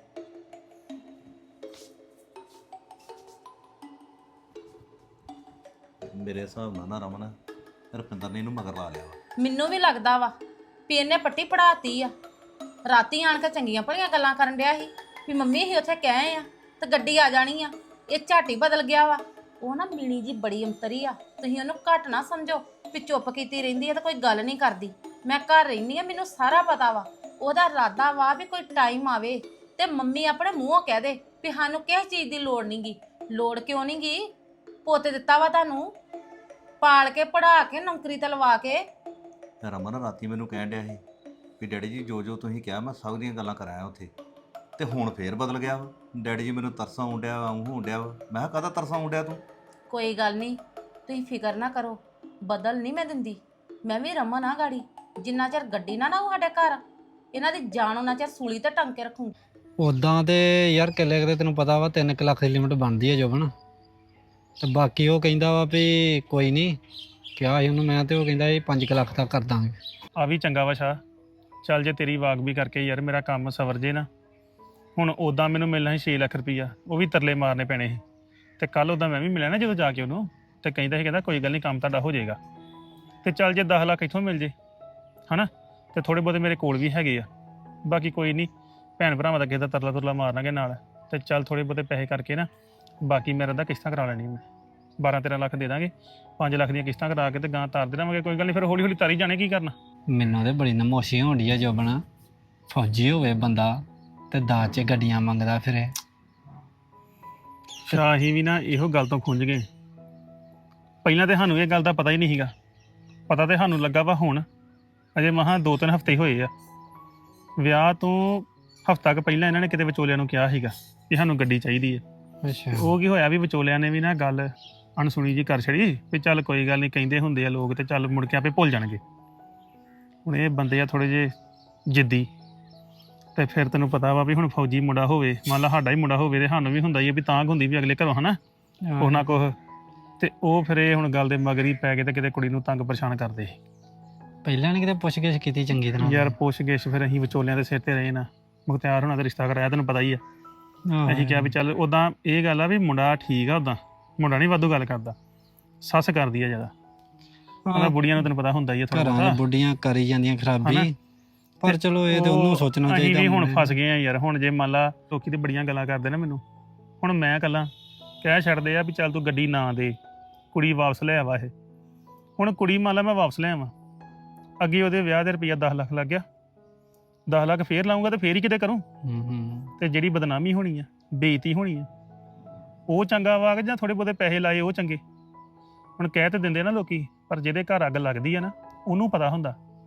S5: ਮੇਰੇ ਹਿਸਾਬ ਨਾਲ ਨਾ ਰਮਨ ਰੁਪਿੰਦਰ ਨੇ ਇਹਨੂੰ ਮਗਰ ਲਾ ਲਿਆ ਵਾ।
S6: ਮੈਨੂੰ ਵੀ ਲੱਗਦਾ ਵਾ ਵੀ ਇਹਨੇ ਪੱਟੀ ਪੜਾਤੀ ਆ। ਰਾਤੀ ਆਣ ਕੇ ਚੰਗੀਆਂ ਭਲੀਆਂ ਗੱਲਾਂ ਕਰਨ ਡਿਆ ਸੀ ਵੀ ਮੰਮੀ ਅਸੀਂ ਉੱਥੇ ਕਹੇ ਆ ਤੇ ਗੱਡੀ ਆ ਜਾਣੀ ਆ। ਇਹ ਝਾਟੀ ਬਦਲ ਗਿਆ ਵਾ। ਉਹ ਨਾ ਮੀਣੀ ਜੀ ਬੜੀ ਅੰਤਰੀ ਆ, ਤੁਸੀਂ ਉਹਨੂੰ ਘੱਟ ਨਾ ਸਮਝੋ ਵੀ ਚੁੱਪ ਕੀਤੀ ਰਹਿੰਦੀ ਆ ਤੇ ਕੋਈ ਗੱਲ ਨਹੀਂ ਕਰਦੀ। ਮੈਂ ਘਰ ਰਹਿੰਦੀ ਆ, ਮੈਨੂੰ ਸਾਰਾ ਪਤਾ ਵਾ। ਉਹਦਾ ਇਰਾਦਾ ਵਾ ਵੀ ਕੋਈ ਟਾਈਮ ਆਵੇ ਤੇ ਮੰਮੀ ਆਪਣੇ ਮੂੰਹੋਂ ਕਹਿ ਦੇ ਵੀ ਸਾਨੂੰ ਕਿਸੇ ਚੀਜ਼ ਦੀ ਲੋੜ ਨਹੀਂਗੀ। ਲੋੜ ਕਿਉਂ ਨਹੀਂਗੀ? ਪੁੱਤ ਦਿੱਤਾ ਵਾ ਤੁਹਾਨੂੰ, ਪਾਲ ਕੇ ਪੜਾ ਕੇ ਨੌਕਰੀ ਤੇ ਲਵਾ ਕੇ।
S5: ਰਮਨ ਰਾਤੀ ਮੈਨੂੰ ਕਹਿਣ ਡਿਆ ਸੀ ਵੀ ਡੈਡੀ ਜੀ ਜੋ ਜੋ ਤੁਸੀਂ ਕਿਹਾ ਮੈਂ ਸਭ ਦੀਆਂ ਗੱਲਾਂ ਕਰਾਇਆ ਉੱਥੇ, ਤੇ ਹੁਣ ਫੇਰ ਬਦਲ ਗਿਆ ਵਾ। ਡੈਡੀ ਜੀ ਮੈਨੂੰ ਤਰਸ ਆਉਣ ਡਿਆ ਵਾ, ਹੋਣ ਡਿਆ ਵਾ। ਮੈਂ ਕਿਹਾ ਕਾਹਦਾ ਤਰਸ ਆਉਣ ਡਿਆ ਤੂੰ?
S6: ਕੋਈ ਗੱਲ ਨਹੀਂ, ਤੁਸੀਂ ਫਿਕਰ ਨਾ ਕਰੋ, ਬਦਲ ਨਹੀਂ ਮੈਂ ਦਿੰਦੀ। ਮੈਂ ਵੀ ਰਮਨ ਆ ਗਾੜੀ। ਜਿੰਨਾ ਚਿਰ ਗੱਡੀ ਨਾ ਉਹ ਸਾਡੇ ਘਰ, ਇਹਨਾਂ ਦੀ ਜਾਨ ਉਹਨਾਂ ਚਿਰ ਸੂਲੀ ਤੇ ਟੰਗ ਕੇ ਰੱਖੂ।
S7: ਉਦਾਂ ਤੇ ਯਾਰ ਕਿੱਲੇ ਕਿਤੇ ਤੈਨੂੰ ਪਤਾ ਵਾ 3 ਲੱਖ ਦੀ ਲਿਮਟ ਬਣਦੀ ਹੈ ਜੋਬਨ। ਤੇ ਬਾਕੀ ਉਹ ਕਹਿੰਦਾ ਵਾ ਵੀ ਕੋਈ ਨਹੀਂ, ਕਿਹਾ ਸੀ ਉਹਨੂੰ ਮੈਂ, ਤੇ ਉਹ ਕਹਿੰਦਾ ਇਹ 5 ਲੱਖ ਤੱਕ ਕਰ ਦਾਂਗੇ।
S3: ਆ ਵੀ ਚੰਗਾ ਵਾ ਸ਼ਾਹ। ਚੱਲ ਜੇ ਤੇਰੀ ਵਾਗ ਵੀ ਕਰਕੇ ਯਾਰ ਮੇਰਾ ਕੰਮ ਸਵਰ ਜੇ ਨਾ। ਹੁਣ ਉਦਾਂ ਮੈਨੂੰ ਮਿਲਣਾ ਸੀ 6 ਲੱਖ ਰੁਪਈਆ, ਉਹ ਵੀ ਤਰਲੇ ਮਾਰਨੇ ਪੈਣੇ ਸੀ। ਤੇ ਕੱਲ ਉਦਾਂ ਮੈਂ ਵੀ ਮਿਲਿਆ ਨਾ ਜਦੋਂ ਜਾ ਕੇ ਉਹਨੂੰ, ਤੇ ਕਹਿੰਦਾ ਕੋਈ ਗੱਲ ਨਹੀਂ ਕੰਮ ਤੁਹਾਡਾ ਹੋ ਜਾਏਗਾ। ਤੇ ਚੱਲ ਜੇ 10 ਲੱਖ ਇੱਥੋਂ ਮਿਲ ਜੇ ਹਨਾ, ਤੇ ਥੋੜੇ ਬਹੁਤੇ ਮੇਰੇ ਕੋਲ ਵੀ ਹੈਗੇ ਆ। ਬਾਕੀ ਕੋਈ ਨਹੀਂ, ਭੈਣ ਭਰਾਵਾਂ ਦਾ ਕਿਸੇ ਦਾ ਤਰਲਾ ਤੁਰਲਾ ਮਾਰਨਾਗੇ ਨਾਲ। ਤੇ ਚੱਲ ਥੋੜੇ ਬਹੁਤੇ ਪੈਸੇ ਕਰਕੇ ਨਾ, ਬਾਕੀ ਮੇਰਾ ਤਾਂ ਕਿਸ਼ਤਾਂ ਕਰਾ ਲੈਣੀ ਮੈਂ। 12-13 ਲੱਖ ਦੇ ਦਾਂਗੇ, 5 ਲੱਖ ਦੀਆਂ ਕਿਸ਼ਤਾਂ ਕਰਾ ਕੇ ਤੇ ਗਾਂ ਤਾਰ ਦੇ ਦੇਵਾਂਗੇ। ਕੋਈ ਗੱਲ ਨਹੀਂ, ਫਿਰ ਹੌਲੀ ਹੌਲੀ ਤਾਰੀ ਜਾਣੇ। ਕੀ ਕਰਨਾ?
S7: ਮੈਨੂੰ ਤੇ ਬੜੀ ਨਮੋਸ਼ੀ ਹੋਣ ਡਈ ਆ ਜੋਬਨ। ਫੌਜੀ ਹੋਵੇ ਬੰਦਾ ਤੇ ਦਾਜ 'ਚ ਗੱਡੀਆਂ ਮੰਗਦਾ ਫਿਰੇ।
S3: ਸ਼ਾਹੀ ਵੀ ਨਾ ਇਹੋ ਗੱਲ ਤੋਂ ਖੁੰਝ ਗਏ। ਪਹਿਲਾਂ ਤੇ ਸਾਨੂੰ ਇਹ ਗੱਲ ਦਾ ਪਤਾ ਹੀ ਨਹੀਂ ਸੀਗਾ। ਪਤਾ ਤੇ ਸਾਨੂੰ ਲੱਗਾ ਵਾ ਹੁਣ, ਅਜੇ ਮਹਾਂ 2-3 ਹਫ਼ਤੇ ਹੋਏ ਆ ਵਿਆਹ ਤੋਂ। ਹਫ਼ਤਾ ਕੁ ਪਹਿਲਾਂ ਇਹਨਾਂ ਨੇ ਕਿਤੇ ਵਿਚੋਲਿਆਂ ਨੂੰ ਕਿਹਾ ਸੀਗਾ ਕਿ ਸਾਨੂੰ ਗੱਡੀ ਚਾਹੀਦੀ ਹੈ।
S7: ਅੱਛਾ,
S3: ਉਹ ਕੀ ਹੋਇਆ ਵੀ ਵਿਚੋਲਿਆਂ ਨੇ ਵੀ ਨਾ ਗੱਲ ਅਣਸੁਣੀ ਜੀ ਕਰ ਛੜੀ ਵੀ ਚੱਲ ਕੋਈ ਗੱਲ ਨਹੀਂ, ਕਹਿੰਦੇ ਹੁੰਦੇ ਆ ਲੋਕ, ਤੇ ਚੱਲ ਮੁੜ ਕੇ ਆਪੇ ਭੁੱਲ ਜਾਣਗੇ। ਹੁਣ ਇਹ ਬੰਦੇ ਆ ਥੋੜੇ ਜਿਹੇ ਜਿੱਦੀ, ਤੇ ਫਿਰ ਤੈਨੂੰ ਪਤਾ ਵਾ ਵੀ ਹੁਣ ਫੌਜੀ ਮੁੰਡਾ ਹੋਵੇ, ਮੰਨ ਲਾ ਸਾਡਾ ਹੀ ਮੁੰਡਾ ਹੋਵੇ, ਤੇ ਸਾਨੂੰ ਵੀ ਹੁੰਦਾ ਹੀ ਆ ਵੀ ਤਾਂ ਹੁੰਦੀ ਵੀ ਅਗਲੇ ਘਰੋਂ ਹਨਾ ਕੁਛ ਨਾ ਕੁਛ। ਤੇ ਉਹ ਫਿਰ ਇਹ ਹੁਣ ਗੱਲ ਦੇ ਮਗਰ ਹੀ ਪੈ ਗਏ ਤੇ ਕਿਤੇ ਕੁੜੀ ਨੂੰ ਤੰਗ ਪਰੇਸ਼ਾਨ ਕਰਦੇ।
S7: ਪਹਿਲਾਂ ਨੇ ਕਿਤੇ ਪੁੱਛ ਗਿੱਛ ਕੀਤੀ ਚੰਗੀ ਤਰ੍ਹਾਂ?
S3: ਯਾਰ ਪੁੱਛ ਗਿੱਛ ਫਿਰ ਅਸੀਂ ਵਿਚੋਲਿਆਂ ਦੇ ਸਿਰ ਤੇ ਰਹੇ ਨਾ। ਮੁਖਤਿਆਰ ਹੋਣਾ ਦਾ ਰਿਸ਼ਤਾ ਕਰਾਇਆ, ਤੈਨੂੰ ਪਤਾ ਹੀ ਆ। ਅਸੀਂ ਕਿਹਾ ਵੀ ਚੱਲ ਉਦਾਂ ਇਹ ਗੱਲ ਆ ਵੀ ਮੁੰਡਾ ਠੀਕ ਆ, ਉਦਾਂ ਮੁੰਡਾ ਨਹੀਂ ਵਾਧੂ ਗੱਲ ਕਰਦਾ, ਸੱਸ ਕਰਦੀ ਆ ਜ਼ਿਆਦਾ। ਉਹਨਾਂ ਬੁੜੀਆਂ ਨੂੰ ਤੈਨੂੰ ਪਤਾ ਹੁੰਦਾ ਹੀ ਆ ਥੋੜਾ
S7: ਘਰਾਂ
S3: ਬਹੁਤਾ।
S7: ਦੀ ਬੁੱਢੀਆਂ ਕਰੀ ਜਾਂਦੀਆਂ ਖਰਾਬੀ, ਪਰ ਚਲੋ ਇਹ ਤੇ ਉਹਨੂੰ ਸੋਚਣਾ
S3: ਅਸੀਂ
S7: ਚਾਹੀਦਾ।
S3: ਵੀ ਹੁਣ ਫਸ ਗਏ ਆ ਯਾਰ। ਹੁਣ ਜੇ ਮੰਨ ਲਾ ਲੋਕੀ ਤੇ ਬੜੀਆਂ ਗੱਲਾਂ ਕਰਦੇ ਨਾ ਮੈਨੂੰ, ਹੁਣ ਮੈਂ ਇਕੱਲਾ ਕਹਿ ਛੱਡਦੇ ਆ ਵੀ ਚੱਲ ਤੂੰ ਗੱਡੀ ਨਾ ਦੇ, ਕੁੜੀ ਵਾਪਸ ਲੈ ਆਵਾ। ਇਹ ਹੁਣ ਕੁੜੀ ਮੰਨ ਲਾ ਮੈਂ ਵਾਪਸ ਲੈ ਆਵਾਂ, ਅੱਗੇ ਉਹਦੇ ਵਿਆਹ ਦੇ ਰੁਪਈਆ 10 ਲੱਖ ਲੱਗ ਗਿਆ, 10 ਲੱਖ ਫੇਰ ਲਾਉਂਗਾ ਤੇ ਫੇਰ ਹੀ ਕਿਤੇ ਕਰੂੰ। ਤੇ ਜਿਹੜੀ ਬਦਨਾਮੀ ਹੋਣੀ ਆ, ਬੇਇੱਜ਼ਤੀ ਹੋਣੀ ਆ, ਉਹ ਚੰਗਾ ਵਾ ਕਿ ਜਾਂ ਥੋੜੇ ਬਹੁਤੇ ਪੈਸੇ ਲਾਏ ਉਹ ਚੰਗੇ? ਹੁਣ ਕਹਿ ਤੇ ਦਿੰਦੇ ਨਾ ਲੋਕੀ, ਪਰ ਜਿਹਦੇ ਘਰ ਅੱਗ ਲੱਗਦੀ ਆ ਨਾ ਉਹਨੂੰ ਪਤਾ ਹੁੰਦਾ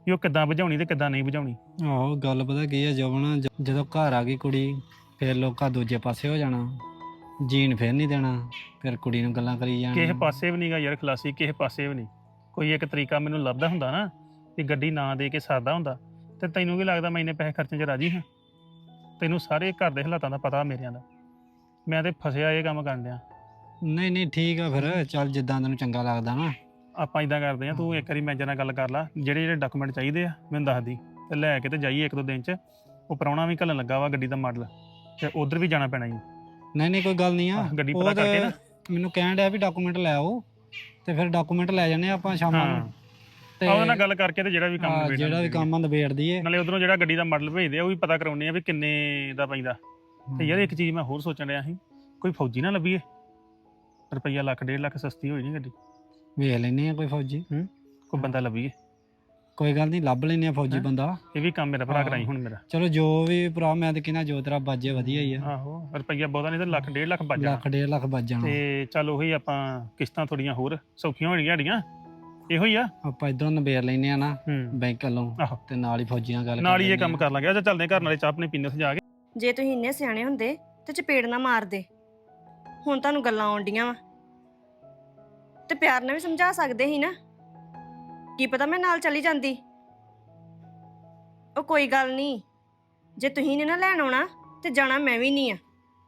S3: ਵੀ ਉਹ ਕਿੱਦਾਂ ਬੁਝਾਉਣੀ ਤੇ ਕਿੱਦਾਂ ਨਹੀਂ ਬੁਝਾਉਣੀ।
S7: ਆਹੋ ਗੱਲ ਪਤਾ ਕੀ ਆ ਜਵਨ, ਜਦੋਂ ਘਰ ਆ ਗਈ ਕੁੜੀ ਫਿਰ ਲੋਕਾਂ ਦੂਜੇ ਪਾਸੇ ਹੋ ਜਾਣਾ, ਜੀਣ ਫਿਰ ਨਹੀਂ ਦੇਣਾ, ਫਿਰ ਕੁੜੀ ਨੂੰ ਗੱਲਾਂ ਕਰੀ
S3: ਕਿਸੇ
S7: ਜਾਣ।
S3: ਪਾਸੇ ਵੀ ਨਹੀਂਗਾ ਯਾਰ ਖਲਾਸੀ, ਕਿਸੇ ਪਾਸੇ ਵੀ ਨਹੀਂ। ਕੋਈ ਇੱਕ ਤਰੀਕਾ ਮੈਨੂੰ ਲੱਭਦਾ ਹੁੰਦਾ ਨਾ ਵੀ ਗੱਡੀ ਨਾ ਦੇ ਕੇ ਸਾਦਾ ਹੁੰਦਾ, ਤੇ ਤੈਨੂੰ ਕੀ ਲੱਗਦਾ ਮੈਂ ਇੰਨੇ ਪੈਸੇ ਖਰਚਣ 'ਚ ਰਾਜੀ ਹਾਂ? ਤੈਨੂੰ ਸਾਰੇ ਘਰ ਦੇ ਹਾਲਾਤਾਂ ਦਾ ਪਤਾ ਮੇਰਿਆਂ ਦਾ, ਮੈਂ ਤੇ ਫਸਿਆ ਇਹ ਕੰਮ ਕਰਨ ਡਿਆ।
S7: ਨਹੀਂ ਨਹੀਂ ਠੀਕ ਆ, ਫਿਰ ਚੱਲ ਜਿੱਦਾਂ ਤੈਨੂੰ ਚੰਗਾ ਲੱਗਦਾ ਨਾ।
S3: ਆਪਾਂ ਇਦਾਂ ਕਰਦੇ ਆ, ਤੂੰ ਇੱਕ ਵਾਰੀ ਮੈਨੇਜਰ ਨਾਲ ਗੱਲ ਕਰ ਲਾ, ਜਿਹੜੇ ਜਿਹੜੇ ਡਾਕੂਮੈਂਟ ਚਾਹੀਦੇ ਆ ਮੈਨੂੰ ਦੱਸ ਦੀ, ਤੇ ਲੈ ਕੇ ਤੇ ਜਾਈਏ ਇੱਕ ਦੋ ਦਿਨ 'ਚ। ਉਹ ਪ੍ਰਾਹੁਣਾ ਵੀ ਘੱਲਣ ਲੱਗਾ ਵਾ ਗੱਡੀ ਦਾ ਮਾਡਲ, ਤੇ ਉਧਰ ਵੀ ਜਾਣਾ ਪੈਣਾ ਜੀ।
S7: ਨਹੀਂ ਨਹੀਂ ਕੋਈ ਗੱਲ ਨਹੀਂ ਆ,
S3: ਗੱਡੀ
S7: ਉਹ
S3: ਪਤਾ ਕਰਕੇ ਨਾ।
S7: ਮੈਨੂੰ ਕਹਿਣ ਡਿਆ ਵੀ ਡਾਕੂਮੈਂਟ ਲੈ ਆਓ, ਤੇ ਫਿਰ ਡਾਕੂਮੈਂਟ ਲੈ ਜਾਂਦੇ ਆਪਾਂ ਸ਼ਾਮਾਂ
S3: ਹਾਂ
S7: ਨੂੰ। ਤੇ
S3: ਉਹਦੇ ਨਾਲ ਗੱਲ ਕਰਕੇ ਤੇ ਜਿਹੜਾ ਵੀ ਕੰਮ ਨਿਬੇੜਨਾ
S7: ਜਿਹੜਾ ਵੀ ਕੰਮ ਆ ਨਿਬੇੜ ਦਈਏ।
S3: ਨਾਲੇ ਉਧਰੋਂ ਜਿਹੜਾ ਗੱਡੀ ਦਾ ਮਾਡਲ ਭੇਜਦੇ ਆ ਉਹ ਵੀ ਪਤਾ ਕਰਾਉਣੇ ਆ ਵੀ ਕਿੰਨੇ ਦਾ ਪੈਂਦਾ। ਤੇ ਯਾਰ ਇੱਕ ਚੀਜ਼ ਮੈਂ ਹੋਰ ਸੋਚਣ ਡਿਆ ਸੀ, ਕੋਈ ਫੌਜੀ ਨਾ ਲੱਭੀਏ, ਰੁਪਈਆ ਲੱਖ 1.5 ਲੱਖ ਸਸਤੀ ਹੋਈ ਨਹੀਂ ਗੱਡੀ।
S7: ਵੇਖ ਲੈਨੇ ਆ ਕੋਈ ਫੌਜੀ,
S3: ਕੋਈ ਬੰਦਾ ਲੱਭੀਏ।
S7: ਕੋਈ ਗੱਲ ਨਹੀਂ ਲੱਭ ਲੈਨੇ ਆ ਫੌਜੀ ਬੰਦਾ।
S3: ਇਹ ਵੀ ਕੰਮ ਮੇਰਾ ਭਰਾ ਕਰਾਈ ਹੁਣ ਮੇਰਾ।
S7: ਚਲੋ ਜੋ ਵੀ ਭਰਾ, ਮੈਂ ਤੇ ਕਹਿੰਦਾ ਜੋ ਤੇਰਾ ਬਾਜੇ ਵਧੀਆ ਹੀ ਆ।
S3: ਆਹੋ ਰੁਪਈਆ ਬਹੁਤਾ ਨਹੀਂ ਤੇ ਲੱਖ 1.5 ਲੱਖ ਬਚ ਜਾਣਾ।
S7: ਲੱਖ 1.5 ਲੱਖ ਬਚ ਜਾਣਾ।
S3: ਤੇ ਚੱਲ ਉਹੀ ਆਪਾਂ ਕਿਸ਼ਤਾਂ ਥੋੜੀਆਂ ਹੋਰ ਸੌਖੀਆਂ ਹੋਣਗੀਆਂ ਸਾਡੀਆਂ, ਇਹੋ ਹੀ ਆ।
S7: ਆਪਾਂ ਇਧਰੋਂ ਨਿਬੇੜ ਲੈਨੇ ਆ ਨਾ ਬੈਂਕ ਵੱਲੋਂ,
S3: ਆਹੋ
S7: ਤੇ ਨਾਲ ਹੀ ਫੌਜੀ ਨਾਲ ਗੱਲ
S3: ਨਾਲ ਹੀ ਇਹ
S7: ਲੈਂਦੇ
S3: ਕੰਮ
S7: ਆ।
S3: ਕਰ ਲਾਂਗੇ। ਅੱਛਾ ਚੱਲਦੇ ਘਰ ਨਾਲੇ ਚਾਹ ਆਪਣੇ ਪੀਣੇ ਉੱਥੇ ਜਾ ਕੇ।
S8: ਜੇ ਤੁਸੀਂ ਇੰਨੇ ਸਿਆਣੇ ਹੁੰਦੇ ਤੇ ਚਪੇੜ ਨਾ ਮਾਰਦੇ। ਹੁਣ ਤੁਹਾਨੂੰ ਗੱਲਾਂ ਆਉਂਦੀਆਂ ਵਾ, ਤੇ ਪਿਆਰ ਨਾਲ ਵੀ ਸਮਝਾ ਸਕਦੇ ਸੀ ਨਾ। ਕੀ ਪਤਾ ਮੈਂ ਨਾਲ ਚਲੀ ਜਾਂਦੀ। ਉਹ ਕੋਈ ਗੱਲ ਨਹੀਂ, ਜੇ ਤੁਸੀਂ ਨੇ ਨਾ ਲੈਣ ਆਉਣਾ ਤੇ ਜਾਣਾ ਮੈਂ ਵੀ ਨਹੀਂ ਆ।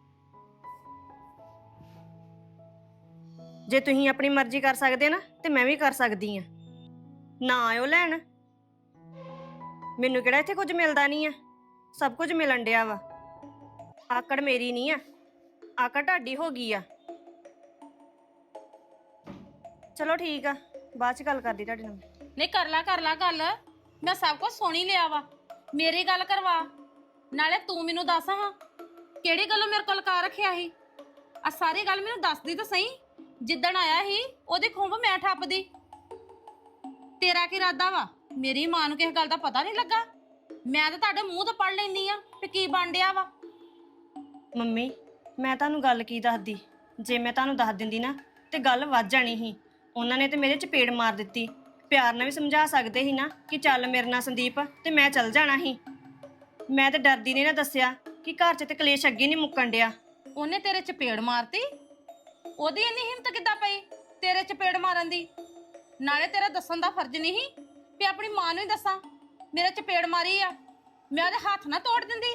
S8: ਜੇ ਤੁਸੀਂ ਆਪਣੀ ਮਰਜ਼ੀ ਕਰ ਸਕਦੇ ਨਾ ਤੇ ਮੈਂ ਵੀ ਕਰ ਸਕਦੀ ਆ। ਨਾ ਆਇਓ ਲੈਣ, ਮੈਨੂੰ ਕਿਹੜਾ ਇੱਥੇ ਕੁਝ ਮਿਲਦਾ ਨਹੀਂ ਆ, ਸਭ ਕੁਝ ਮਿਲਣ ਡਿਆ ਵਾ। ਆਕੜ ਮੇਰੀ ਨਹੀਂ ਆ, ਆਕੜ ਤੁਹਾਡੀ ਹੋ ਗਈ ਆ। ਚਲੋ ਠੀਕ ਆ, ਬਾਅਦ ਚ ਗੱਲ ਕਰਦੀ ਤੁਹਾਡੇ ਨਾਲ।
S6: ਨਹੀਂ ਕਰ ਲਾ ਗੱਲ, ਮੈਂ ਸਭ ਕੁਝ ਸੁਣ ਹੀ ਲਿਆ ਵਾ। ਮੇਰੀ ਗੱਲ ਕਰਵਾ, ਨਾਲੇ ਤੂੰ ਮੈਨੂੰ ਦੱਸ ਹਾਂ ਕਿਹੜੀ ਗੱਲੋਂ ਮੇਰੇ ਕੋਲ ਲਕਾ ਰੱਖਿਆ ਸੀ। ਆ ਸਾਰੀ ਗੱਲ ਮੈਨੂੰ ਦੱਸਦੀ ਤਾਂ ਸਹੀ। ਜਿੱਦਣ ਆਇਆ ਸੀ ਉਹਦੀ ਖੁੰਬ ਮੈਂ ਠੱਪਦੀ। ਤੇਰਾ ਕੀ ਇਰਾਦਾ ਵਾ? ਮੇਰੀ ਮਾਂ ਨੂੰ ਕਿਸੇ ਗੱਲ ਦਾ ਪਤਾ ਨਹੀਂ ਲੱਗਾ? ਮੈਂ ਤਾਂ ਤੁਹਾਡੇ ਮੂੰਹ ਤੋਂ ਪੜ ਲੈਂਦੀ ਆ ਕਿ ਕੀ ਬਣ ਡਿਆ ਵਾ।
S8: ਮੰਮੀ ਮੈਂ ਤੁਹਾਨੂੰ ਗੱਲ ਕੀ ਦੱਸਦੀ, ਜੇ ਮੈਂ ਤੁਹਾਨੂੰ ਦੱਸ ਦਿੰਦੀ ਨਾ ਤੇ ਗੱਲ ਵੱਧ ਜਾਣੀ ਸੀ। ਉਹਨਾਂ ਨੇ ਤੇ ਮੇਰੇ ਚਪੇੜ ਮਾਰ ਦਿੱਤੀ। ਪਿਆਰ ਨਾਲ ਵੀ ਸਮਝਾ ਸਕਦੇ ਸੀ ਨਾ ਕਿ ਚੱਲ ਮੇਰੇ ਨਾਲ ਸੰਦੀਪ, ਤੇ ਮੈਂ ਚੱਲ ਜਾਣਾ ਸੀ। ਮੈਂ ਤੇ ਡਰਦੀ ਨੇ ਨਾ ਦੱਸਿਆ ਕਿ ਘਰ 'ਚ ਤੇ ਕਲੇਸ਼ ਅੱਗੇ ਨਹੀਂ ਮੁੱਕਣ ਡਿਆ।
S6: ਉਹਨੇ ਤੇਰੇ ਚਪੇੜ ਮਾਰਤੀ? ਉਹਦੀ ਇੰਨੀ ਹਿੰਮਤ ਕਿੱਦਾਂ ਪਈ ਤੇਰੇ ਚਪੇੜ ਮਾਰਨ ਦੀ? ਨਾਲੇ ਤੇਰਾ ਦੱਸਣ ਦਾ ਫਰਜ਼ ਨਹੀਂ ਵੀ ਆਪਣੀ ਮਾਂ ਨੂੰ ਹੀ ਦੱਸਾਂ ਮੇਰੇ ਚਪੇੜ ਮਾਰੀ ਆ। ਮੈਂ ਉਹਦੇ ਹੱਥ ਨਾ ਤੋੜ ਦਿੰਦੀ।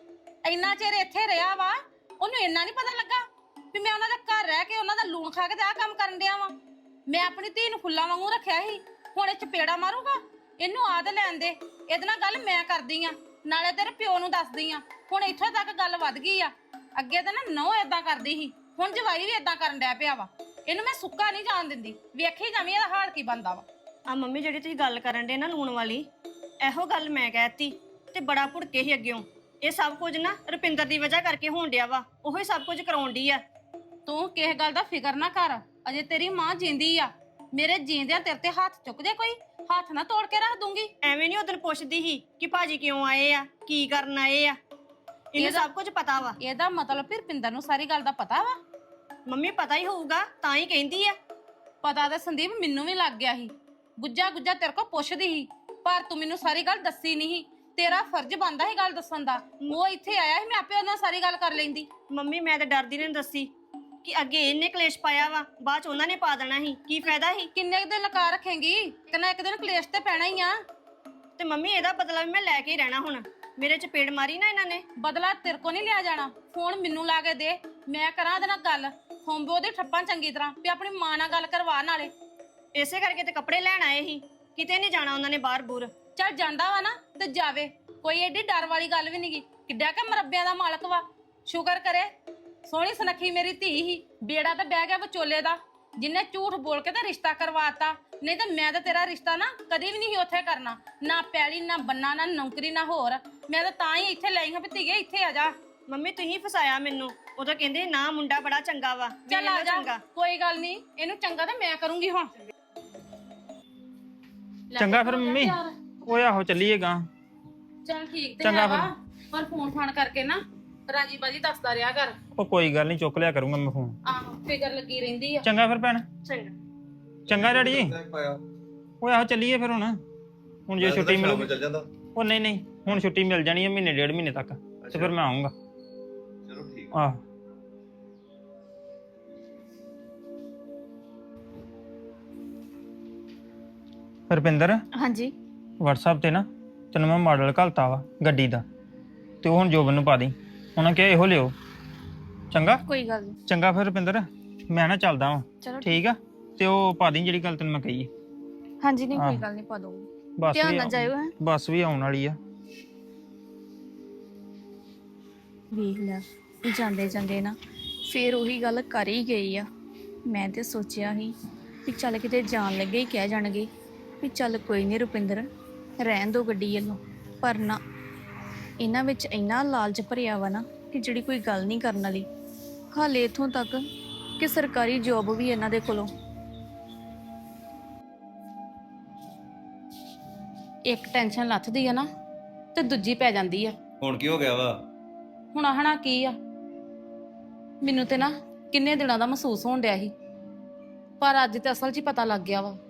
S6: ਇੰਨਾ ਚਿਰ ਇੱਥੇ ਰਿਹਾ ਵਾ, ਉਹਨੂੰ ਇੰਨਾ ਨਹੀਂ ਪਤਾ ਲੱਗਾ ਵੀ ਮੈਂ ਉਹਨਾਂ ਦੇ ਘਰ ਰਹਿ ਕੇ ਉਹਨਾਂ ਦਾ ਲੂਣ ਖਾ ਕੇ ਤੇ ਆਹ ਕੰਮ ਕਰਨ ਡਿਆ ਵਾਂ। ਮੈਂ ਆਪਣੀ ਧੀ ਨੂੰ ਫੁੱਲਾਂ ਵਾਂਗੂ ਰੱਖਿਆ ਸੀ, ਹੁਣ ਇਹ ਚਪੇੜਾ ਮਾਰੂਗਾ? ਇਹਨੂੰ ਆਦ ਲੈਣ ਦੇ, ਇਹਦੇ ਨਾਲ ਗੱਲ ਮੈਂ ਕਰਦੀ ਆ, ਨਾਲੇ ਤੇਰੇ ਪਿਓ ਨੂੰ ਦੱਸਦੀ ਆ। ਹੁਣ ਇੱਥੋਂ ਤੱਕ ਗੱਲ ਵੱਧ ਗਈ ਆ। ਅੱਗੇ ਤਾਂ ਨਾ ਨਹੁੰ ਏਦਾਂ ਕਰਦੀ ਸੀ, ਹੁਣ ਜਵਾਈ ਵੀ ਏਦਾਂ ਕਰਨ ਡਿਆ ਪਿਆ ਵਾ। ਇਹਨੂੰ ਮੈਂ ਸੁੱਕਾ ਨਹੀਂ ਜਾਣ ਦਿੰਦੀ। ਵੇਖੀ ਜਾਵੀਂ ਇਹਦਾ ਹਾਲ ਕੀ ਬਣਦਾ ਵਾ।
S8: ਆ ਮੰਮੀ ਜਿਹੜੀ ਤੁਸੀਂ ਗੱਲ ਕਰਨ ਦੇ ਨਾ ਲੂਣ ਵਾਲੀ, ਇਹੋ ਗੱਲ ਮੈਂ ਕਹਿਤੀ ਤੇ ਬੜਾ ਭੁੜਕੇ ਸੀ ਅੱਗਿਓਂ। ਇਹ ਸਭ ਕੁਝ ਨਾ ਰੁਪਿੰਦਰ ਦੀ ਵਜ੍ਹਾ ਕਰਕੇ ਹੋਣ ਡਿਆ ਵਾ। ਉਹੋ ਹੀ ਸਭ ਕੁਝ ਕਰਾਉਣ ਡਈ ਆ।
S6: ਤੂੰ ਕਿਸੇ ਗੱਲ ਦਾ ਫਿਕਰ ਨਾ ਕਰ, ਅਜੇ ਤੇਰੀ ਮਾਂ ਜਿੰਦੀ ਆ। ਮੇਰੇ ਜੀਂਦਿਆਂ ਤੇਰੇ ਤੇ ਹੱਥ ਚੁੱਕ ਜੇ ਕੋਈ, ਹੱਥ ਨਾ ਤੋੜ ਕੇ ਰੱਖ ਦੂੰਗੀ।
S8: ਐਵੇਂ ਨਹੀਂ ਉਦੋਂ ਪੁੱਛਦੀ ਸੀ ਕਿ ਭਾਜੀ ਕਿਉਂ ਆਏ ਆ, ਕੀ ਕਰਨ ਆਏ ਆ। ਇਹਨੂੰ ਸਭ ਕੁਝ ਪਤਾ ਵਾ।
S6: ਇਹਦਾ ਮਤਲਬ ਫਿਰ ਰੁਪਿੰਦਰ ਨੂੰ ਸਾਰੀ ਗੱਲ ਦਾ ਪਤਾ ਵਾ?
S8: ਮੰਮੀ ਪਤਾ ਹੀ ਹੋਊਗਾ ਤਾਂ ਹੀ ਕਹਿੰਦੀ ਆ।
S6: ਪਤਾ ਤਾਂ ਸੰਦੀਪ ਮੈਨੂੰ ਵੀ ਲੱਗ ਗਿਆ ਸੀ। ਗੁੱਜਾ ਤੇਰੇ ਕੋਲ ਪੁੱਛਦੀ ਸੀ, ਪਰ ਤੂੰ ਮੈਨੂੰ ਸਾਰੀ ਗੱਲ ਦੱਸੀ ਨਹੀਂ। ਤੇਰਾ ਫਰਜ਼ ਬਣਦਾ ਸੀ ਗੱਲ ਦੱਸਣ ਦਾ। ਉਹ ਇੱਥੇ ਆਇਆ ਸੀ, ਮੈਂ ਆਪੇ ਉਹਨਾਂ ਨਾਲ ਸਾਰੀ ਗੱਲ ਕਰ ਲੈਂਦੀ।
S8: ਮੰਮੀ ਮੈਂ ਤਾਂ ਡਰਦੀ ਨੇ ਦੱਸੀ ਕਿ ਅੱਗੇ ਇਹਨੇ ਕਲੇਸ਼ ਪਾਇਆ ਵਾ, ਬਾਅਦ ਚ ਉਹਨਾਂ ਨੇ ਪਾ ਦੇਣਾ ਸੀ। ਕੀ ਫਾਇਦਾ ਸੀ?
S6: ਕਿੰਨੇ ਕੁ ਦਿਨ ਲਗਾ ਰੱਖੇਂਗੀ? ਇੱਕ ਨਾ ਇੱਕ ਦਿਨ ਕਲੇਸ਼ ਤੇ ਪੈਣਾ ਹੀ ਆ।
S8: ਤੇ ਮੰਮੀ ਇਹਦਾ ਬਦਲਾ ਵੀ ਮੈਂ ਲੈ ਕੇ ਹੀ ਰਹਿਣਾ। ਹੁਣ ਮੇਰੇ ਚਪੇੜ ਮਾਰੀ ਨਾ ਇਹਨਾਂ ਨੇ।
S6: ਬਦਲਾ ਤੇਰੇ ਕੋ ਨਹੀਂ ਲਿਆ ਜਾਣਾ। ਫੋਨ ਮੈਨੂੰ ਲਾ ਕੇ ਦੇ, ਮੈਂ ਕਰਾਂ ਉਹਦੇ ਨਾਲ ਗੱਲ। ਹੋਂਬੋ ਉਹਦੀ ਠੱਪਾਂ ਚੰਗੀ ਤਰ੍ਹਾਂ ਵੀ ਆਪਣੀ ਮਾਂ ਨਾਲ ਗੱਲ ਕਰਵਾ। ਨਾਲੇ
S8: ਇਸੇ ਕਰਕੇ ਤੇ ਕੱਪੜੇ ਲੈਣ ਆਏ ਸੀ, ਕਿਤੇ ਨਹੀਂ ਜਾਣਾ ਉਹਨਾਂ ਨੇ ਬਾਹਰ ਬੂਰ।
S6: ਚੱਲ ਜਾਂਦਾ ਵਾ ਨਾ ਤੇ ਜਾਵੇ, ਕੋਈ ਏਡੀ ਡਰ ਵਾਲੀ ਗੱਲ ਵੀ ਨਹੀਂਗੀ। ਕਿੱਡਾ ਕਿ ਮਰੱਬਿਆਂ ਦਾ ਮਾਲਕ ਵਾ। ਸ਼ੁਕਰ ਕਰੇ ਸੋਹਣੀ ਸੁਨੱਖੀ ਮੇਰੀ ਧੀ ਹੀ, ਬੇੜਾ ਤਾਂ ਬਹਿ ਗਿਆ ਵਿਚੋਲੇ ਦਾ, ਜਿੰਨੇ ਝੂਠ ਬੋਲ ਕੇ ਤਾਂ ਰਿਸ਼ਤਾ ਕਰਵਾਤਾ। ਨਹੀਂ ਤਾਂ ਮੈਂ ਤਾਂ ਤੇਰਾ ਰਿਸ਼ਤਾ ਨਾ ਕਦੀ ਵੀ ਨਹੀਂ ਉੱਥੇ ਕਰਨਾ। ਨਾ ਪੈਲੀ, ਨਾ ਬੰਨਾ, ਨਾ ਨੌਕਰੀ, ਨਾ ਹੋਰ। ਮੈਂ ਤਾਂ ਹੀ ਇੱਥੇ ਲਈ ਹਾਂ ਵੀ ਧੀਏ ਇੱਥੇ ਆ ਜਾ।
S8: ਮੰਮੀ ਤੁਸੀਂ ਫਸਾਇਆ ਮੈਨੂੰ। ਉਦੋਂ ਕਹਿੰਦੇ ਨਾ ਮੁੰਡਾ ਬੜਾ ਚੰਗਾ ਵਾ।
S6: ਚੱਲ ਆ ਜਾ, ਕੋਈ ਗੱਲ ਨਹੀਂ। ਇਹਨੂੰ ਚੰਗਾ ਤਾਂ ਮੈਂ ਕਰੂੰਗੀ ਹੁਣ।
S1: ਚੰਗਾ ਫਿਰ ਮੰਮੀ, ਓਏ ਆਹੋ ਚੱਲੀਏਗਾ।
S6: ਚੱਲ ਠੀਕ ਤੇ
S1: ਚੰਗਾ
S6: ਹੈ ਵਾ, ਪਰ ਫੋਨ ਫਾਨ ਕਰਕੇ ਨਾ ਰਾਜੀ ਬਾਜੀ ਦੱਸਦਾ ਰਿਹਾ ਕਰ।
S1: ਉਹ ਕੋਈ ਗੱਲ ਨਹੀਂ, ਚੁੱਕ ਲਿਆ ਕਰੂੰਗਾ ਮੈਂ ਫੋਨ।
S6: ਆਹੋ ਫਿਕਰ ਲੱਗੀ ਰਹਿੰਦੀ ਆ।
S1: ਚੰਗਾ ਫਿਰ ਭੈਣ।
S8: ਚੰਗਾ।
S1: ਚੰਗਾ ਡੈਡੀ। ਓਏ ਆਹੋ ਚੱਲੀਏ ਫਿਰ ਹੁਣ। ਹੁਣ ਜੇ
S5: ਮੈਂ ਤਾਂ
S1: ਛੁੱਟੀ
S5: ਸ਼ਾਮ ਨੂੰ
S1: ਮਿਲੂਗੀ
S5: ਚੱਲ ਜਾਂਦਾ।
S1: ਉਹ ਨਹੀਂ ਹੁਣ ਛੁੱਟੀ ਮਿਲ ਜਾਣੀ ਹੈ ਮਹੀਨੇ ਡੇਢ ਮਹੀਨੇ ਤੱਕ ਤੇ ਫਿਰ ਮੈਂ ਆਉਂਗਾ।
S5: ਚਲੋ ਠੀਕ
S1: ਆਹ ਰੁਪਿੰਦਰ
S2: ਹਾਂਜੀ
S1: WhatsApp ਤੇ ਨਾ ਤੈਨੂੰ ਮੈਂ ਮਾਡਲ ਘਲਤਾ ਵਾ ਗੱਡੀ ਦਾ ਤੇ ਉਹ ਹੁਣ ਜੋਬਨ ਨੂੰ ਪਾ ਦੇ। ਉਹਨਾਂ ਕਿਹਾ ਇਹੋ ਲਿਓ। ਚੰਗਾ
S2: ਕੋਈ ਗੱਲ ਨਹੀਂ।
S1: ਚੰਗਾ ਫਿਰ ਰੁਪਿੰਦਰ ਮੈਂ ਨਾ ਚੱਲਦਾ ਵਾਂ।
S2: ਚਲੋ
S1: ਠੀਕ ਆ ਤੇ ਉਹ ਪਾ ਦੀ ਜਿਹੜੀ ਗੱਲ ਤੈਨੂੰ ਮੈਂ ਕਹੀ ਹੈ।
S2: ਹਾਂਜੀ ਨਹੀਂ ਕੋਈ
S1: ਆਹ।
S2: ਗੱਲ ਨਹੀਂ ਪਾ ਦੂੰਗੀ।
S1: ਬੱਸ
S2: ਧਿਆਨ
S1: ਵੀ
S2: ਨਾਲ ਜਾਇਓ ਹੈ।
S1: ਬੱਸ ਵੀ ਆਉਣ ਵਾਲੀ ਆ।
S2: ਵੇਖ ਲੈ ਜਾਂਦੇ ਜਾਂਦੇ ਨਾ ਫੇਰ ਉਹੀ ਗੱਲ ਕਰ ਹੀ ਗਈ ਆ। ਮੈਂ ਤੇ ਸੋਚਿਆ ਸੀ ਵੀ ਚੱਲ ਕਿਤੇ ਜਾਣ ਲੱਗੇ ਹੀ ਕਹਿ ਜਾਣਗੇ ਵੀ ਚੱਲ ਕੋਈ ਨਹੀਂ ਰੁਪਿੰਦਰ ਰਹਿਣ ਦੋ ਗੱਡੀ ਵੱਲੋਂ, ਪਰ ਨਾ ਇਹਨਾਂ ਵਿੱਚ ਇੰਨਾ ਲਾਲਚ ਭਰਿਆ ਵਾ ਨਾ ਕਿ ਜਿਹੜੀ ਕੋਈ ਗੱਲ ਨਹੀਂ ਕਰਨ ਵਾਲੀ। ਹਾਲੇ ਇੱਥੋਂ ਤੱਕ ਕਿ ਸਰਕਾਰੀ ਜੋਬ ਵੀ ਇਹਨਾਂ ਦੇ ਕੋਲੋਂ।
S6: ਇੱਕ ਟੈਨਸ਼ਨ ਲੱਥਦੀ ਆ ਨਾ ਤੇ ਦੂਜੀ ਪੈ ਜਾਂਦੀ ਆ।
S5: ਹੁਣ ਕੀ ਹੋ ਗਿਆ ਵਾ?
S6: ਹੁਣ ਆਹਣਾ ਕੀ ਆ, ਮੈਨੂੰ ਤੇ ਨਾ ਕਿੰਨੇ ਦਿਨਾਂ ਦਾ ਮਹਿਸੂਸ ਹੋਣ ਡਿਆ ਸੀ, ਪਰ ਅੱਜ ਤੇ ਅਸਲ 'ਚ ਹੀ ਪਤਾ ਲੱਗ ਗਿਆ ਵਾ।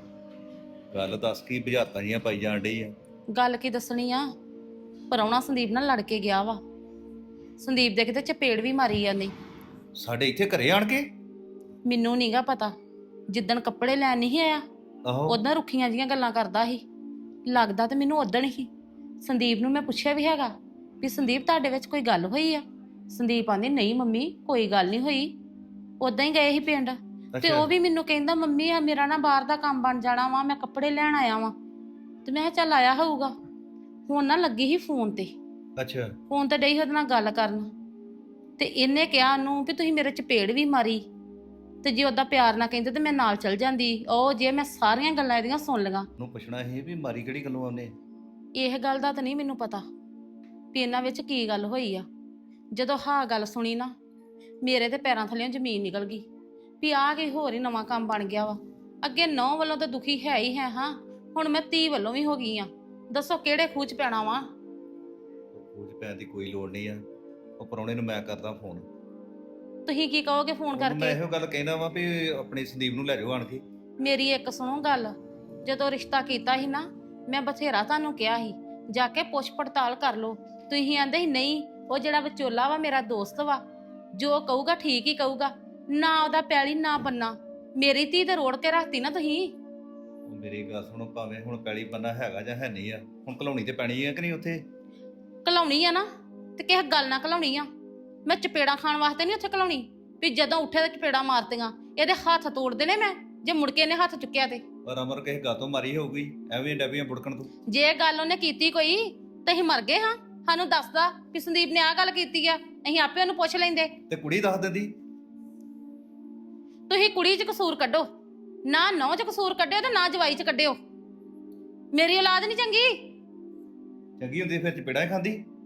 S5: ਗੱਲ ਦੱਸ ਕੀ ਬੁਝਾਰਤਾਂ ਜੀਆਂ ਪਾਈ ਜਾਣ ਡਈ ਆ।
S6: ਗੱਲ ਕੀ ਦੱਸਣੀ ਆ, ਪਰਾਉਣਾ ਸੰਦੀਪ ਨਾਲ ਲੜ ਕੇ ਗਿਆ ਵਾ। ਸੰਦੀਪ ਦੇ ਕਿਤੇ ਚਪੇੜ ਵੀ ਮਾਰੀ ਆ ਨੇ।
S5: ਸਾਡੇ ਇੱਥੇ ਘਰੇ ਆਣ ਕੇ?
S6: ਮੈਨੂੰ ਨਹੀਂਗਾ ਪਤਾ, ਜਿੱਦਣ ਕੱਪੜੇ ਲੈਣ ਨਹੀਂ ਆਇਆ
S5: ਆਹੋ
S6: ਉਦਾਂ ਰੁੱਖੀਆਂ ਜੀਆਂ ਗੱਲਾਂ ਕਰਦਾ ਸੀ। ਲੱਗਦਾ ਤੇ ਮੈਨੂੰ ਉਦਣ ਹੀ। ਸੰਦੀਪ ਨੂੰ ਮੈਂ ਪੁੱਛਿਆ ਵੀ ਹੈਗਾ ਵੀ ਸੰਦੀਪ ਤੁਹਾਡੇ ਵਿੱਚ ਕੋਈ ਗੱਲ ਹੋਈ ਆ? ਸੰਦੀਪ ਆਂਦੀ ਨਹੀਂ ਮੰਮੀ ਕੋਈ ਗੱਲ ਨਹੀਂ ਹੋਈ, ਉਦਾਂ ਹੀ ਗਏ ਸੀ ਪਿੰਡ। ਤੇ
S5: ਅੱਛਾ।
S6: ਉਹ ਵੀ ਮੈਨੂੰ ਕਹਿੰਦਾ ਮੰਮੀ ਆ ਮੇਰਾ ਨਾ ਬਾਹਰ ਦਾ ਕੰਮ ਬਣ ਜਾਣਾ ਵਾ, ਮੈਂ ਕੱਪੜੇ ਲੈਣ ਆਇਆ ਵਾਂ। ਤੇ ਮੈਂ ਕਿਹਾ ਚੱਲ ਆਇਆ ਹੋਊਗਾ। ਹੁਣ ਨਾ ਲੱਗੀ ਸੀ ਫੋਨ ਤੇ,
S5: ਅੱਛਾ
S6: ਫੋਨ ਤੇ ਡਈ ਉਹਦੇ ਨਾਲ ਗੱਲ ਕਰਨ ਤੇ ਇਹਨੇ ਕਿਹਾ ਉਹਨੂੰ ਵੀ ਤੁਸੀਂ ਮੇਰੇ ਚਪੇੜ ਵੀ ਮਾਰੀ, ਤੇ ਜੇ ਉਹਦਾ ਪਿਆਰ ਨਾ ਕਹਿੰਦੇ ਤੇ ਮੈਂ ਨਾਲ ਚਲ ਜਾਂਦੀ। ਉਹ ਜੇ ਮੈਂ ਸਾਰੀਆਂ ਗੱਲਾਂ ਇਹਦੀਆਂ ਸੁਣ ਲਈਆਂ।
S5: ਉਹਨੂੰ ਪੁੱਛਣਾ ਸੀ ਵੀ ਮਾਰੀ ਕਿਹੜੀ ਗੱਲੋਂ ਉਹਨੇ?
S6: ਇਹ ਗੱਲ ਦਾ ਤਾਂ ਨਹੀਂ ਮੈਨੂੰ ਪਤਾ ਵੀ ਇਹਨਾਂ ਵਿੱਚ ਕੀ ਗੱਲ ਹੋਈ ਆ। ਜਦੋਂ ਹਾਂ ਗੱਲ ਸੁਣੀ ਨਾ ਮੇਰੇ ਤੇ ਪੈਰਾਂ ਥੱਲੇੋਂ ਜ਼ਮੀਨ ਨਿਕਲ ਗਈ ਵੀ ਆਹ ਕੀ ਹੋਰ ਹੀ ਨਵਾਂ ਕੰਮ ਬਣ ਗਿਆ ਵਾ। ਅੱਗੇ ਨੌ ਵੱਲੋਂ ਤਾਂ ਦੁਖੀ ਹੈ ਹੀ ਹੈ, ਹਾਂ ਹੁਣ ਮੈਂ ਧੀ ਵੱਲੋਂ ਵੀ ਹੋ ਗਈ ਆ। ਦੱਸੋ ਕਿਹੜੇ ਖੂਹ 'ਚ ਪੈਣਾ ਵਾ?
S5: ਖੂਜ ਪੈਣ ਦੀ ਕੋਈ ਲੋੜ ਨਹੀਂ ਆ। ਉਹ ਪ੍ਰਾਹੁਣੇ ਨੂੰ ਮੈਂ ਕਰਦਾ ਫੋਨ।
S6: ਤੁਸੀਂ ਕੀ ਕਹੋਗੇ ਫੋਨ
S5: ਉਹਨੂੰ ਮੈਂ
S6: ਕਰਕੇ?
S5: ਇਹੋ ਗੱਲ ਕਹਿਣਾ ਵਾ ਵੀ ਆਪਣੀ ਸੰਦੀਪ ਨੂੰ ਲੈ ਜਾਓ ਆਣ ਕੇ।
S6: ਮੇਰੀ ਇੱਕ ਸੁਣੋ ਗੱਲ, ਜਦੋਂ ਰਿਸ਼ਤਾ ਕੀਤਾ ਸੀ ਨਾ ਮੈਂ ਬਥੇਰਾ ਤੁਹਾਨੂੰ ਕਿਹਾ ਸੀ ਜਾ ਕੇ ਪੁੱਛ ਪੜਤਾਲ ਕਰ ਲਓ। ਤੁਸੀਂ ਆਂਦੇ ਸੀ ਨਹੀਂ ਉਹ ਜਿਹੜਾ ਵਿਚੋਲਾ ਵਾ ਮੇਰਾ ਦੋਸਤ ਵਾ, ਜੋ ਕਹੂਗਾ ਠੀਕ ਹੀ ਕਹੂਗਾ, ਨਾ ਉਹਦਾ ਪੈਲੀ ਨਾ ਬੰਨਾ। ਮੇਰੀ ਧੀ ਤੇ ਰੋੜ ਕੇ ਰੱਖਤੀ ਨਾ ਤੁਸੀਂ।
S5: ਉਹ ਮੇਰੀ ਗੱਲ ਸੁਣੋ, ਭਾਵੇਂ ਹੁਣ ਪੈਲੀ ਬੰਨਾ ਹੈਗਾ ਜਾਂ ਹੈ ਨਹੀਂ ਆ, ਹੁਣ ਘਲਾਉਣੀ ਤੇ ਪੈਣੀ ਆ ਕਿ ਨਹੀਂ ਉੱਥੇ?
S6: ਘਲਾਉਣੀ ਆ ਨਾ ਤੇ ਕਿਸੇ ਗੱਲ ਨਾ ਘਲਾਉਣੀ ਆ। ਮੈਂ ਚਪੇੜਾਂ ਖਾਣ ਵਾਸਤੇ ਨਹੀਂ ਉੱਥੇ ਘਲਾਉਣੀ ਵੀ ਜਦੋਂ ਉੱਠੇ ਤੇ ਚਪੇੜਾਂ ਮਾਰਤੀਆਂ। ਇਹਦੇ ਹੱਥ ਤੋੜ ਦੇਣੇ ਮੈਂ ਜੇ ਮੁੜ ਕੇ ਇਹਨੇ ਹੱਥ ਚੁੱਕਿਆ ਤੇ।
S5: ਪਰ ਅਮਰ ਕਿਸੇ ਗੱਲ ਤੋਂ ਮਾਰੀ ਹੋਊਗੀ, ਐਵੇਂ ਡੱਬੀਆਂ ਬੁੜਕਣ ਤੋਂ।
S6: ਜੇ ਗੱਲ ਉਹਨੇ ਕੀਤੀ ਕੋਈ ਤਾਂ ਅਸੀਂ ਮਰ ਗਏ ਹਾਂ। ਸਾਨੂੰ ਦੱਸਦਾ ਵੀ ਸੰਦੀਪ ਨੇ ਆਹ ਗੱਲ ਕੀਤੀ ਆ, ਅਸੀਂ ਆਪੇ ਉਹਨੂੰ ਪੁੱਛ ਲੈਂਦੇ।
S5: ਤੇ ਕੁੜੀ ਦੱਸ ਦਿੰਦੀ।
S6: ਤੁਸੀਂ ਕੁੜੀ 'ਚ ਕਸੂਰ ਕੱਢੋ, ਨਾ ਨੌ 'ਚ ਕਸੂਰ ਕੱਢਿਓ ਤੇ ਨਾ ਜਵਾਈ 'ਚ ਕੱਢਿਓ। ਮੇਰੀ ਔਲਾਦ ਨਹੀਂ ਚੰਗੀ।
S5: ਚੰਗੀ ਹੁੰਦੀ ਫਿਰ ਚਪੇੜਾਂ ਹੀ ਖਾਂਦੀ।